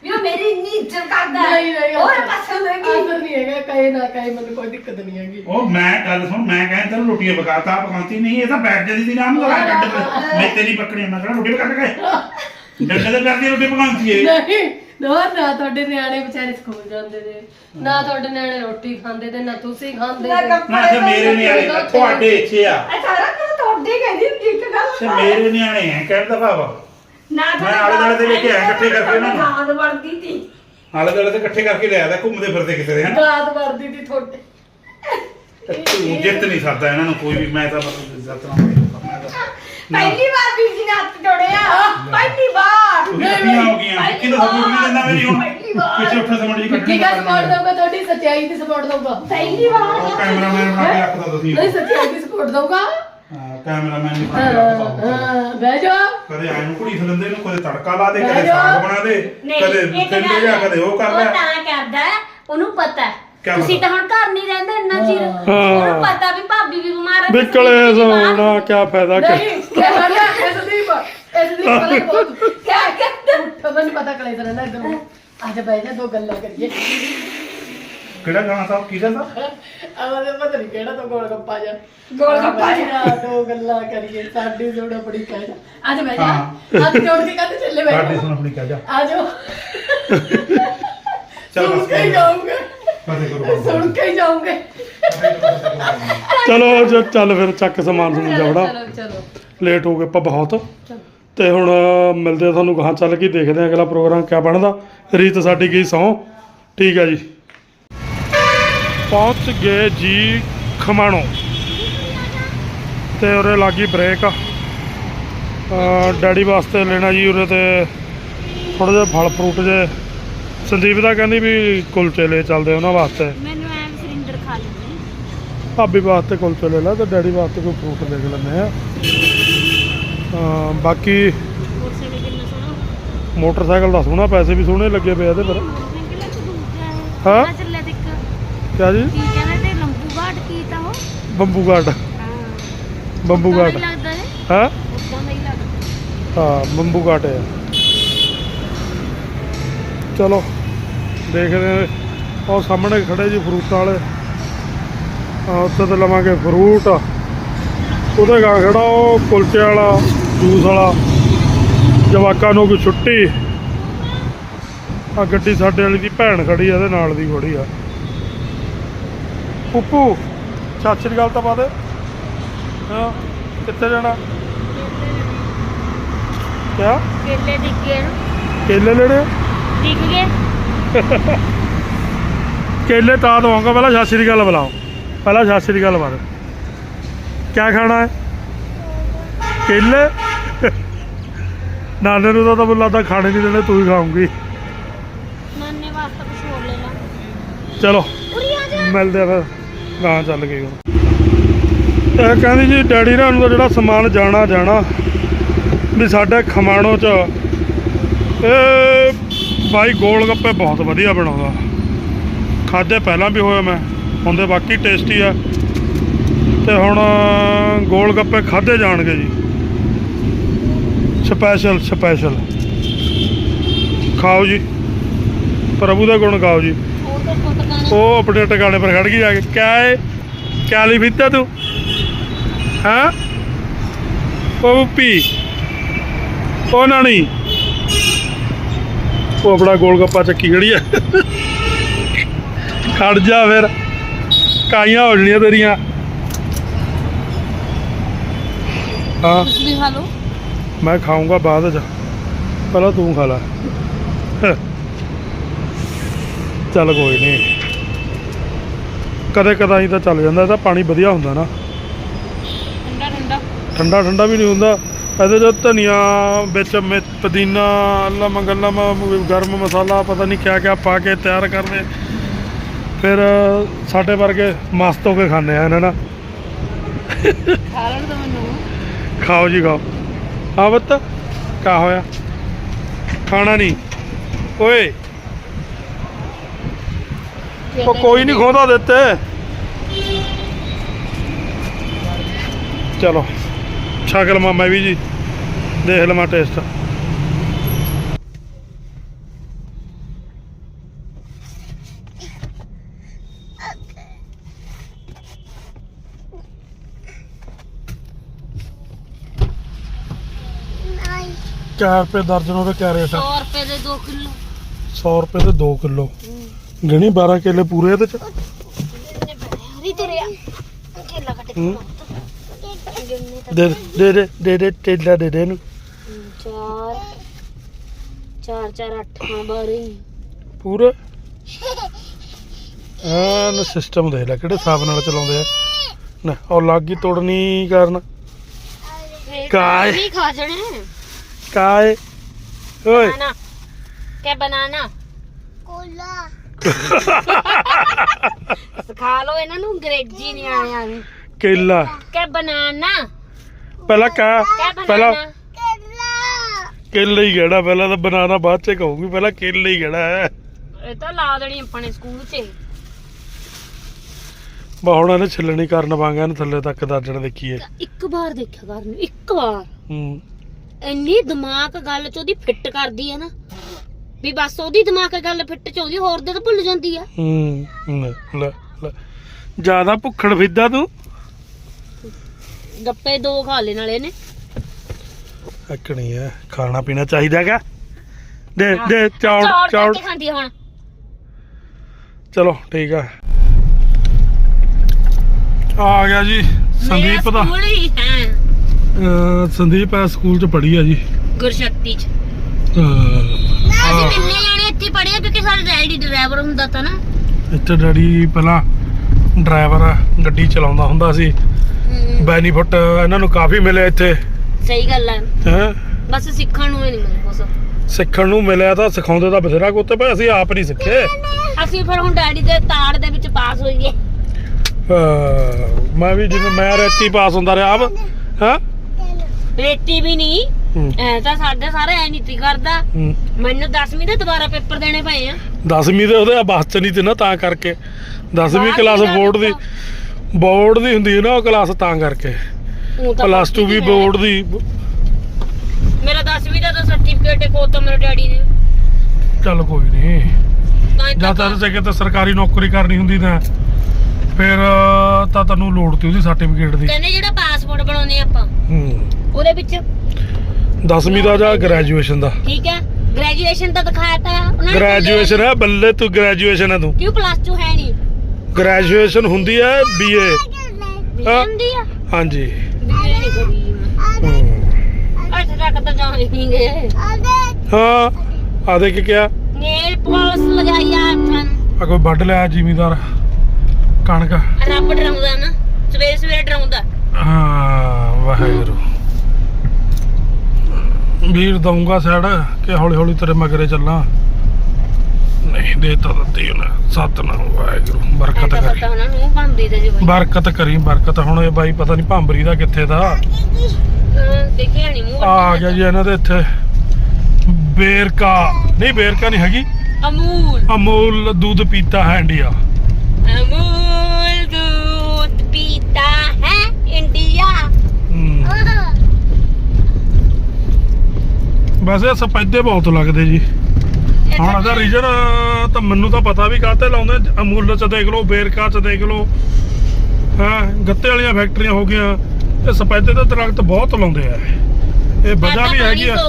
ਵੀ ਉਹ ਮੇਰੀ ਇੰਨੀ ਇੱਜ਼ਤ ਕਰਦਾ ਹੈ। ਨਹੀਂ ਨਹੀਂ ਹੋਰ ਪਾਸੇ ਹੋਏਗੀ ਆਦਰ ਨਹੀਂ ਹੈਗਾ, ਕਹੇ ਨਾ ਕਹੇ, ਮੈਨੂੰ ਕੋਈ ਦਿੱਕਤ ਨਹੀਂ ਹੈਗੀ। ਉਹ ਮੈਂ ਗੱਲ ਸੁਣ, ਮੈਂ ਕਹਿੰਦਾ ਤੈਨੂੰ ਰੋਟੀਆਂ ਪਕਾਤਾ ਪਕਾਉਂਦੀ ਨਹੀਂ, ਇਹ ਤਾਂ ਬੈਠ ਜਾਂਦੀ ਸੀ ਨਾਮ ਲਗਾ ਡੱਡ ਮੈਂ ਤੇਰੀ ਬੱਕਰੀ ਮੈਂ ਕਹਿੰਦਾ ਰੋਟੀ ਪਕਾ ਕੇ ਡੱਡੇ ਤੇ ਕਰਦੀ ਰੋਟੀ ਪਕਾਉਂਦੀ ਏ। ਨਹੀਂ ਨਾ ਤੁਹਾਡੇ ਨਿਆਣੇ ਵਿਚਾਰੇ ਸਕੂਲ ਜਾਂਦੇ ਨੇ, ਨਾ ਤੁਹਾਡੇ ਨਿਆਣੇ ਰੋਟੀ ਖਾਂਦੇ ਤੇ ਨਾ ਤੁਸੀਂ ਖਾਂਦੇ ਨਾ ਤੇ। ਨਾ ਤੇ ਮੇਰੇ ਨਿਆਣੇ ਤੁਹਾਡੇ ਇੱਥੇ ਆ ਇਹ ਸਾਰਾ ਕੁਝ ਤੁਹਾਡੇ ਕਹਿੰਦੀ ਹੁੰਦੀ ਇੱਕ ਗੱਲ ਤੇ ਮੇਰੇ ਨਿਆਣੇ ਆ ਕਹਿਣ ਦਾ ਭਾਵ ਨਾ ਮੈਂ ਆਲੇ ਦੁਆਲੇ ਦੇ ਲੈ ਕੇ ਆਇਆ ਇਕੱਠੇ ਕਰਕੇ ਉਹਨਾਂ ਨੂੰ। ਗਾਂਦ ਵੜਦੀ ਸੀ ਆਲੇ ਦੁਆਲੇ ਤੇ ਇਕੱਠੇ ਕਰਕੇ ਲਿਆ ਦਾ ਘੁੰਮਦੇ ਫਿਰਦੇ ਕਿਸੇ ਦੇ ਹਨ ਗਾਦ ਵਰਦੀ ਦੀ ਤੁਹਾਡੇ। ਤੂੰ ਜਿੱਤ ਨਹੀਂ ਸਕਦਾ ਇਹਨਾਂ ਨੂੰ ਕੋਈ ਵੀ, ਮੈਂ ਤਾਂ ਬਸ ਇੱਜ਼ਤ ਨਾਲ ਪਹਿਲੀ ਵਾਰ ਵੀ ਜੀ ਨੇ ਹੱਥ ਜੋੜਿਆ ਪਹਿਲੀ ਵਾਰ ਕਿੰਨੀਆਂ ਹੋ ਗਈਆਂ ਕਿ ਤਾਂ ਸਪੋਰਟ ਨਹੀਂ ਦਿੰਦਾ ਮੇਰੀ ਹੁਣ ਪਹਿਲੀ ਵਾਰ। ਪਿੱਛੇ ਉੱਠ ਸਮਝ ਜੀ ਕੀ ਕਾ ਸਪੋਰਟ ਦਊਗਾ, ਤੁਹਾਡੀ ਸੱਚਾਈ ਦੀ ਸਪੋਰਟ ਦਊਗਾ। ਪਹਿਲੀ ਵਾਰ ਉਹ ਕੈਮਰਾਮੈਨ ਬਣਾ ਕੇ ਰੱਖਦਾ ਤੁਸੀਂ ਨਹੀਂ ਸੱਚਾਈ ਦੀ ਸਪੋਰਟ ਦਊਗਾ। ਕੈਮਰਾਮੈਨ ਨਹੀਂ ਬਣਾ ਕੇ ਰੱਖਦਾ ਹਾਂ ਬਹਿ ਜਾ। ਕਦੇ ਆਏ ਨੂੰ ਕੁੜੀ ਫਿਲੰਦੇ ਨੂੰ ਕਦੇ ਤੜਕਾ ਲਾ ਦੇ, ਬਹਿ ਕਦੇ ਜਾ। ਸਾਗ ਬਣਾ ਦੇ, ਨਹੀਂ ਕਦੇ ਇੱਕ ਤਿੰਨ ਗੱਲ ਜਾ ਹੈ, ਕਦੇ ਉਹ ਕਰ ਉਹ ਲੈ। ਤਾਂ ਕਰਦਾ ਹੈ, ਉਹਨੂੰ ਪਤਾ ਹੈ। ਕਿਆ ਤੁਸੀਂ ਪਤਾ? ਤਾਂ ਹੁਣ ਘਰ ਨਹੀਂ ਰਹਿੰਦੇ ਇੰਨਾ ਚਿਰ ਹਾਂ। ਉਹਨੂੰ ਪਤਾ ਵੀ ਭਾਬੀ ਵੀ ਬਿਮਾਰ ਹੈ ਵੀ ਕਲੇਸ਼ ਹੋਣਾ ਕਿਆ ਫਾਇਦਾ ਕਿ ਨਹੀਂ ਕਿਆ ਹਾਲਿਆ ਇਸ ਦੀ ਪਤਾ ਬਹੁਤ ਕਿਆ ਕਹਿੰਦਾ ਉੱਠ, ਮੈਨੂੰ ਪਤਾ ਕਲੇ ਤਰ੍ਹਾਂ ਨਾ ਇੱਧਰ ਨੂੰ। ਅੱਜ ਬਹਿ ਜਾ, ਦੋ ਗੱਲਾਂ ਕਰੀਏ। ਕਿਹੜਾ ਗਾਣਾ ਸਾਹਿਬ ਕਿਹਦਾ ਸਾਹਿਬ ਆਵਾਜ਼ ਪਤਾ ਨਹੀਂ ਕਿਹੜਾ ਤੋਂ ਗੋਲ ਗੱਪਾ ਜਾ ਗੋਲ ਗੱਪਾ ਜਾ। ਦੋ ਗੱਲਾਂ ਕਰੀਏ, ਸਾਡੀ ਜੋੜਾ ਬੜੀ ਕਹਿ ਜਾ। ਅੱਜ ਬਹਿ ਜਾ, ਹਾਂ। ਅੱਜ ਜੋੜ ਕੇ ਕਹਿੰਦੇ ਚੱਲੇ ਬਹਿ ਸਾਡੀ ਜਾ। ਸੁਣ ਆਪਣੀ ਕਹਿ ਜਾ ਆ ਜਾਓ, ਚੱਲ ਸੁਣ ਬਸ ਕੇ ਹੀ ਜਾਓਗੇ, ਫਤਿਹ ਕਰੋ ਸੁਣ ਕੇ ਹੀ ਜਾਓਗੇ। ਚਲੋ ਚੱਲ ਫਿਰ ਚੱਕ ਸਮਾਨ ਸਮੂਨ ਜਾਵੜਾ ਚਲੋ ਚਲੋ ਲੇਟ ਹੋ ਗਏ ਆਪਾਂ ਬਹੁਤ ਤੇ ਹੁਣ ਮਿਲਦੇ ਆ ਤੁਹਾਨੂੰ ਗਾਹਾਂ ਚੱਲ ਕੇ ਦੇਖਦੇ ਆ ਅਗਲਾ ਪ੍ਰੋਗਰਾਮ ਕਿਆ ਬਣਦਾ ਰੀਤ ਸਾਡੀ ਗਈ ਸਹੁੰ ਠੀਕ ਹੈ ਜੀ ਪਹੁੰਚ ਗਏ ਜੀ ਖਮਾਣੋ ਤੇ ਉਰੇ ਲੱਗੀ ਬ੍ਰੇਕ ਡੈਡੀ ਵਾਸਤੇ ਲੈਣਾ ਜੀ ਉਰੇ ਤੇ ਥੋੜਾ ਜਿਹਾ ਫਲ ਫਰੂਟ ਜੇ ਸੰਦੀਪ ਦਾ ਕਹਿੰਦੀ ਵੀ ਕੁਲਚੇ ਲੈ ਚੱਲਦੇ ਉਹਨਾਂ ਵਾਸਤੇ ਮੈਨੂੰ ਐਂ ਸਿਲਿੰਡਰ ਖਾ ਲੈਂਦੀ ਭਾਬੀ ਵਾਸਤੇ ਕੁਲਚੇ ਲੈ ਲਾ ਤੇ ਡੈਡੀ ਵਾਸਤੇ ਕੋਈ ਫਰੂਟ ਦੇਖ ਲੈਂਦੇ ਆ ਬਾਕੀ ਕੁਰਸੀ ਵੀ ਕਿੰਨਾ ਸੋਹਣਾ ਮੋਟਰਸਾਈਕਲ ਦਾ ਸੋਹਣਾ ਪੈਸੇ ਵੀ ਸੋਹਣੇ ਲੱਗੇ ਪਏ ਇਹਦੇ ਪਰ ਮਹਿੰਗੇ ਲੱਗ ਦੂਜਾ ਹਾਂ? ਹੈ ਚੱਲਿਆ ਦੇਖ ਕਿਆ ਜੀ ਕੀ ਕਹਿੰਦੇ ਤੇ ਲੰਬੂ ਘਾਟ ਕੀ ਤਾਂ ਉਹ ਬੰਬੂ ਗਾਰਡ ਹਾਂ ਬੰਬੂ ਉਦਾਂ ਦਾ ਗਾਰਡ ਹੀ ਲੱਗਦਾ ਹੈ ਹਾਂ ਉਦਾਂ ਦਾ ਹੀ ਲੱਗਦਾ ਹਾਂ ਬੰਬੂ ਗਾਰਡ ਹੈ ਚਲੋ ਦੇਖਦੇ ਹਾਂ ਉਹ ਸਾਹਮਣੇ ਖੜੇ ਜੀ ਫਰੂਟਾਂ ਵਾਲੇ ਉੱਥੇ ਤੇ ਲਵਾਂਗੇ ਫਰੂਟ ਉਹਦੇ ਗਾ ਖੜਾ ਉਹ ਕੁਲਚੇ ਵਾਲਾ ਜੂਸ ਵਾਲਾ ਜਵਾਕਾਂ ਨੂੰ ਕੋਈ ਛੁੱਟੀ ਆ ਗੱਡੀ ਸਾਡੇ ਵਾਲੀ ਦੀ ਭੈਣ ਖੜੀ ਆ ਇਹਦੇ ਨਾਲ ਦੀ ਖੜੀ ਆ ਪੁੱਪੂ ਸਤਿ ਸ਼੍ਰੀ ਅਕਾਲ ਤਾਂ ਪਾ ਦੇ ਹਾਂ ਕਿੱਥੇ ਜਾਣਾ ਕਿਆ ਕੇਲੇ ਦਿਖ ਗਏ ਕੇਲੇ ਲੈਣੇ ਆ? ਦਿਖ ਗਏ ਕੇਲੇ ਤਾਂ ਦਵਾਂਗਾ ਪਹਿਲਾਂ ਸਤਿ ਸ਼੍ਰੀ ਅਕਾਲ ਬੁਲਾਓ ਪਹਿਲਾਂ ਸਤਿ ਸ਼੍ਰੀ ਅਕਾਲ ਬਾਦ ਕਿਆ ਖਾਣਾ ਹੈ ਕੇਲੇ ਨਾਨੇ ਨੂੰ ਤਾਂ ਮੈਨੂੰ ਲੱਗਦਾ ਖਾਣੇ ਨਹੀਂ ਦੇਣੇ ਤੂੰ ਹੀ ਖਾਉਂਗੀ ਨਾਨੇ ਵਾਸਤੇ ਕੁਝ ਹੋਰ ਲੈ ਲਾ ਚਲੋ ਉਰੀ ਆ ਜਾ ਮਿਲਦੇ ਆ ਫਿਰ ਗਾਂ ਚੱਲ ਗਏ ਹੁਣ ਇਹ ਕਹਿੰਦੀ ਜੀ ਡੈਡੀ ਨਾਲ ਨੂੰ ਤਾਂ ਜਿਹੜਾ ਸਮਾਨ ਜਾਣਾ ਵੀ ਸਾਡੇ ਖਮਾਣੋ 'ਚ ਇਹ ਬਾਈ ਗੋਲ ਗੱਪੇ ਬਹੁਤ ਵਧੀਆ ਬਣਾਉਂਦਾ ਖਾਧੇ ਪਹਿਲਾਂ ਵੀ ਹੋਇਆ ਮੈਂ ਹੁੰਦੇ ਬਾਕੀ ਟੇਸਟੀ ਆ ਤੇ ਹੁਣ ਗੋਲ ਗੱਪੇ ਖਾਧੇ ਜਾਣਗੇ ਜੀ ਸਪੈਸ਼ਲ ਖਾਓ ਜੀ ਪ੍ਰਭੂ ਦਾ ਗੁਣ ਗਾਓ ਜੀ ਉਹ ਤਾਂ ਪਤਾ ਉਹ ਆਪਣੇ ਟਿਕਾਣੇ ਪਰ ਖੜ ਗਈ ਜਾ ਕੇ ਕਿਆ ਹੈ ਕਿਆ ਲਈ ਫਿੱਤਾ ਤੂੰ ਹਾਂ ਉਹ ਪੀ ਉਹ ਨਾਣੀ ਉਹ ਆਪਣਾ ਗੋਲ ਗੱਪਾ ਚੱਕੀ ਖੜੀ ਆ ਖੜ ਜਾ ਫਿਰ ਕਾਈਆਂ ਹੋ ਜਣੀਆਂ ਤੇਰੀਆਂ ਹਾਂ ਕੁਝ ਵੀ ਖਾ ਲਓ ਮੈਂ ਖਾਊਂਗਾ ਬਾਅਦ ਚ ਪਹਿਲਾਂ ਤੂੰ ਖਾ ਲੈ ਚੱਲ ਕੋਈ ਨਹੀਂ ਕਦੇ ਕਦਾਈ ਤਾਂ ਚੱਲ ਜਾਂਦਾ ਇਹਦਾ ਪਾਣੀ ਵਧੀਆ ਹੁੰਦਾ ਨਾ ਠੰਡਾ ਠੰਡਾ ਵੀ ਨਹੀਂ ਹੁੰਦਾ ਇਹਦੇ 'ਚ ਧਨੀਆ ਵਿੱਚ ਪੁਦੀਨਾ ਲਮ ਗਰਮ ਮਸਾਲਾ ਪਤਾ ਨਹੀਂ ਕਿਆ ਕਿਆ ਪਾ ਕੇ ਤਿਆਰ ਕਰਦੇ ਫਿਰ ਸਾਡੇ ਵਰਗੇ ਮਸਤ ਹੋ ਕੇ ਖਾਂਦੇ ਆ ਇਹਨਾਂ ਨਾਲ ਖਾ ਲੈਣ ਤਾਂ ਮੈਨੂੰ ਖਾਓ ਜੀ ਖਾਓ ਹਾਂ ਬੱਤ ਕਿਆ ਹੋਇਆ ਖਾਣਾ ਨਹੀਂ ਓਏ ਉਹ ਕੋਈ ਨਹੀਂ ਖੋਦਾ ਦਿੱਤੇ ਚਲੋ ਛਕ ਲਵਾਂ ਮੈਂ ਵੀ ਜੀ ਦੇਖ ਲਵਾਂ ਟੇਸਟ ਕਿਆ ਰੁਪਏ ਦਰਜਨ ਉਹਦੇ ਕਿਆ ਰੇਟ ਆ 100 ਰੁਪਏ ਦੇ 2 ਕਿਲੋ 100 ਰੁਪਏ ਦੇ 2 ਕਿਲੋ ਗਿਣੀ 12 ਕਿੱਲੇ ਪੂਰੇ ਇਹਦੇ ਚ ਹਰੀ ਤੁਰਿਆ ਕੇਲਾ ਕੱਟ ਹੂੰ। ਦੇ ਟੇਲਾ ਦੇ ਦੇ ਇਹਨੂੰ 4 4 4 8 ਹਾਂ 12 ਪੂਰੇ ਐਨ ਸਿਸਟਮ ਦੇਖ ਲੈ ਕਿਹੜੇ ਹਿਸਾਬ ਨਾਲ ਚਲਾਉਂਦੇ ਆ ਨਾ ਉਹ ਲੱਗੀ ਤੋੜਨੀ ਕਰਨ ਕਾਏ ਨਹੀਂ ਖਾ ਜਣੇ ਕਾਏ ਓਏ बनाना क्या बनाना ਕੋਲਾ ਸਿਖਾ ਲਓ ਇਹਨਾਂ ਨੂੰ ਅੰਗਰੇਜ਼ੀ ਨਹੀਂ ਆਇਆ ਵੀ ਕੇਲਾ ਕਿ ਬਨਾਨਾ ਪਹਿਲਾਂ ਕਾ ਕਿਆ ਪਹਿਲਾਂ ਬਨਾਨਾ ਕੇਲਾ ਹੀ ਗੜਾ ਪਹਿਲਾਂ ਤਾਂ ਬਨਾਨਾ ਬਾਅਦ ਚ ਕਹੂੰਗੀ ਪਹਿਲਾਂ ਕੇਲਾ ਹੀ ਗੜਾ ਹੈ ਇਹ ਤਾਂ ਲਾ ਦੇਣੀ ਆਪਣੇ ਸਕੂਲ 'ਚ ਬਾ ਹੁਣ ਇਹਨੇ ਛਿੱਲਣੀ ਕਰਨ ਵਾਂਗਾ ਇਹਨੂੰ ਥੱਲੇ ਤੱਕ ਦਰਜਣ ਦੇਖੀਏ ਇੱਕ ਵਾਰ ਦੇਖਿਆ ਕਰਨ ਇੱਕ ਵਾਰ ਹੂੰ ਇੰਨੀ ਦਿਮਾਗ ਗੱਲ 'ਚ ਉਹਦੀ ਫਿੱਟ ਕਰਦੀ ਹੈ ਨਾ ਵੀ ਬਸ ਉਹਦੀ ਦਿਮਾਗ ਗੱਲ ਫਿੱਟ 'ਚ ਆਉਂਦੀ ਹੋਰ ਦੇ ਤਾਂ ਭੁੱਲ ਜਾਂਦੀ ਆ ਲੈ ਜਿਆਦਾ ਭੁੱਖੜ ਫਿੱਦਾ ਤੂੰ ਗੱਪੇ 2 ਖਾ ਲੈ ਨਾਲੇ ਨੇ ਅੱਕਣੀ ਹੈ ਖਾਣਾ ਪੀਣਾ ਚਾਹੀਦਾ ਹੈਗਾ ਦੇ ਚੌੜ ਚੌੜ ਖਾਂਦੀ ਆ ਹੁਣ ਚਲੋ ਠੀਕ ਆ ਆ ਗਿਆ ਜੀ ਸੰਦੀਪ ਦਾ ਸਕੂਲ ਹੀ ਹੈ ਸੰਦੀਪ ਆ ਸਕੂਲ ਚ ਪੜ੍ਹੀ ਆ ਜੀ ਗੁਰਸ਼ਕਤੀ 'ਚ ਅਹ, ਅਸੀਂ ਤਿੰਨੇ ਜਾਣੇ ਇੱਥੇ ਪੜ੍ਹੇ ਕਿਉਂਕਿ ਸਾਡਾ ਡੈਡੀ ਡਰਾਈਵਰ ਹੁੰਦਾ ਤਾਂ ਨਾ ਇੱਥੇ ਡੈਡੀ ਪਹਿਲਾਂ ਡਰਾਈਵਰ ਗੱਡੀ ਚਲਾਉਂਦਾ ਹੁੰਦਾ ਸੀ ਬੈਨੀਫਿਟ ਇਹਨਾਂ ਨੂੰ ਕਾਫੀ ਮਿਲਿਆ ਇੱਥੇ ਸਹੀ ਗੱਲ ਹੈ ਹੈ ਬਸ ਸਿੱਖਣ ਨੂੰ ਹੀ ਨਹੀਂ ਮਿਲਿਆ ਕੁਛ ਸਿੱਖਣ ਨੂੰ ਮਿਲਿਆ ਤਾਂ ਸਿਖਾਉਂਦੇ ਤਾਂ ਬਥੇਰਾ ਕੁੱਤ ਪਰ ਅਸੀਂ ਆਪ ਨਹੀਂ ਸਿੱਖੇ ਅਸੀਂ ਫਿਰ ਹੁਣ ਡੈਡੀ ਦੇ ਤਾੜ ਦੇ ਵਿੱਚ ਪਾਸ ਹੋਈਏ ਮੈਂ ਵੀ ਜਿਵੇਂ ਮੈਂ ਰੇਤੀ ਪਾਸ ਹੁੰਦਾ ਰਿਹਾ ਆਪ ਹਾਂ ਰੇਤੀ ਵੀ ਨਹੀਂ ਐ ਤਾਂ ਸਾਡੇ ਸਾਰੇ ਐ ਨੀਤੀ ਕਰਦਾ ਮੈਨੂੰ 10ਵੀਂ ਦੇ ਦੁਬਾਰਾ ਪੇਪਰ ਦੇਣੇ ਪਏ ਆ 10ਵੀਂ ਦੇ ਉਹਦੇ ਬੱਸ ਚ ਨਹੀਂ ਤੇ ਨਾ ਤਾਂ ਕਰਕੇ 10ਵੀਂ ਕਲਾਸ ਬੋਰਡ ਦੀ ਹੁੰਦੀ ਹੈ ਨਾ ਉਹ ਕਲਾਸ ਤਾਂ ਕਰਕੇ ਊਂ ਤਾਂ ਪਲੱਸ 2 ਵੀ ਹੈ। ਬੋਰਡ ਦੀ ਮੇਰਾ 10ਵੀਂ ਦਾ ਤਾਂ ਸਰਟੀਫਿਕੇਟ ਕੋਤਾ ਮੇਰੇ ਡੈਡੀ ਨੇ ਚੱਲ ਕੋਈ ਨਹੀਂ ਤਾਂ ਹੀ ਜਾਂ ਤਾਂ ਜੇ ਕਿਤੇ ਸਰਕਾਰੀ ਨੌਕਰੀ ਕਰਨੀ ਹੁੰਦੀ ਤਾਂ ਫਿਰ ਤਾਂ ਤੈਨੂੰ ਲੋੜ ਤੀ ਉਹਦੀ ਸਰਟੀਫਿਕੇਟ ਦੀ ਕਹਿੰਦੇ ਜਿਹੜਾ ਪਾਸਪੋਰਟ ਬਣਾਉਨੇ ਆਪਾਂ ਉਹਦੇ ਵਿੱਚ 10ਵੀਂ ਦਾ ਜਾਂ ਗ੍ਰੈਜੂਏਸ਼ਨ ਦਾ ਠੀਕ ਹੈ ਗ੍ਰੈਜੂਏਸ਼ਨ ਤਾਂ ਦਿਖਾਇਆ ਤਾਂ ਉਹਨਾਂ ਨੇ ਗ੍ਰੈਜੂਏਸ਼ਨ ਹੈ ਬੱਲੇ ਤੂੰ ਗ੍ਰੈਜੂਏਸ਼ਨ ਹੈ ਤੂੰ ਕਿਉਂ ਪਲੱਸ 2 ਹੈ ਨਹੀਂ ਗ੍ਰੈਜੂਏਸ਼ਨ ਹੁੰਦੀ ਹੈ BA ਹੁੰਦੀ ਆ ਹਾਂਜੀ ਬੀਏ ਨਹੀਂ ਕਰੀ ਅੱਜ ਤੱਕ ਤਾਂ ਜਾਣ ਹੀ ਨਹੀਂ ਗਏ ਹਾਂ ਆ ਦੇ ਕੀ ਕਿਹਾ ਨੇਲ ਪਾਲਿਸ਼ ਲਗਾਈ ਆ ਹੱਥਾਂ ਨੂੰ ਆ ਕੋਈ ਵੱਢ ਲਿਆ ਜ਼ਿਮੀਦਾਰ ਕਣਕ ਰੱਬ ਡਰਾਉਂਦਾ ਨਾ ਸਵੇਰੇ ਸਵੇਰੇ ਡਰਾਉਂਦਾ ਹਾਂ ਵਾਹਿਗੁਰੂ ਵੀਰ ਦਊਂਗਾ ਸਾਈਡ ਕਿ ਹੌਲੀ ਹੌਲੀ ਤੇਰੇ ਮਗਰੇ ਚੱਲਾਂ ਨਹੀਂ ਦੇ ਤਾਂ ਦਿੱਤੀ ਉਹਨੇ ਸਤਨਾਮ ਵਾਹਿਗੁਰੂ ਬਰਕਤ ਪਤਾ ਕਰੀ ਉਹਨਾਂ ਨੂੰ ਬੰਦੀ ਤੇ ਜਿਵੇਂ ਬਰਕਤ ਕਰੀ ਬਰਕਤ ਹੁਣ ਇਹ ਬਾਈ ਪਤਾ ਨਹੀਂ ਭਾਂਬਰੀ ਦਾ ਕਿੱਥੇ ਦਾ ਦੇਖਿਆ ਨਹੀਂ ਮੂੰਹ ਆ ਗਿਆ ਜੀ ਇਹਨਾਂ ਦੇ ਇੱਥੇ ਬੇਰਕਾ ਨਹੀਂ ਹੈਗੀ ਅਮੂਲ ਦੁੱਧ ਪੀਤਾ ਹੈ ਇੰਡੀਆ ਅਮੂਲ दूध पीता है इंडिया ਵੈਸੇ ਸਫੈਦੇ ਬਹੁਤ ਲੱਗਦੇ ਜੀ ਹੁਣ ਇਹਦਾ ਰੀਜਨ ਤਾਂ ਮੈਨੂੰ ਤਾਂ ਪਤਾ ਵੀ ਕਾਹਤੇ ਲਾਉਂਦੇ ਅਮੂਲ ਚ ਦੇਖ ਲਓ ਬੇਰਕਾ ਚ ਦੇਖ ਲਓ ਹਾਂ ਗੱਤੇ ਵਾਲੀਆਂ ਫੈਕਟਰੀਆਂ ਹੋ ਗਈਆਂ ਇਹ ਸਫੈਦੇ ਦੇ ਦਰਖਤ ਬਹੁਤ ਲਾਉਂਦੇ ਆ ਇਹ ਵਜ੍ਹਾ ਵੀ ਹੈਗੀ ਆ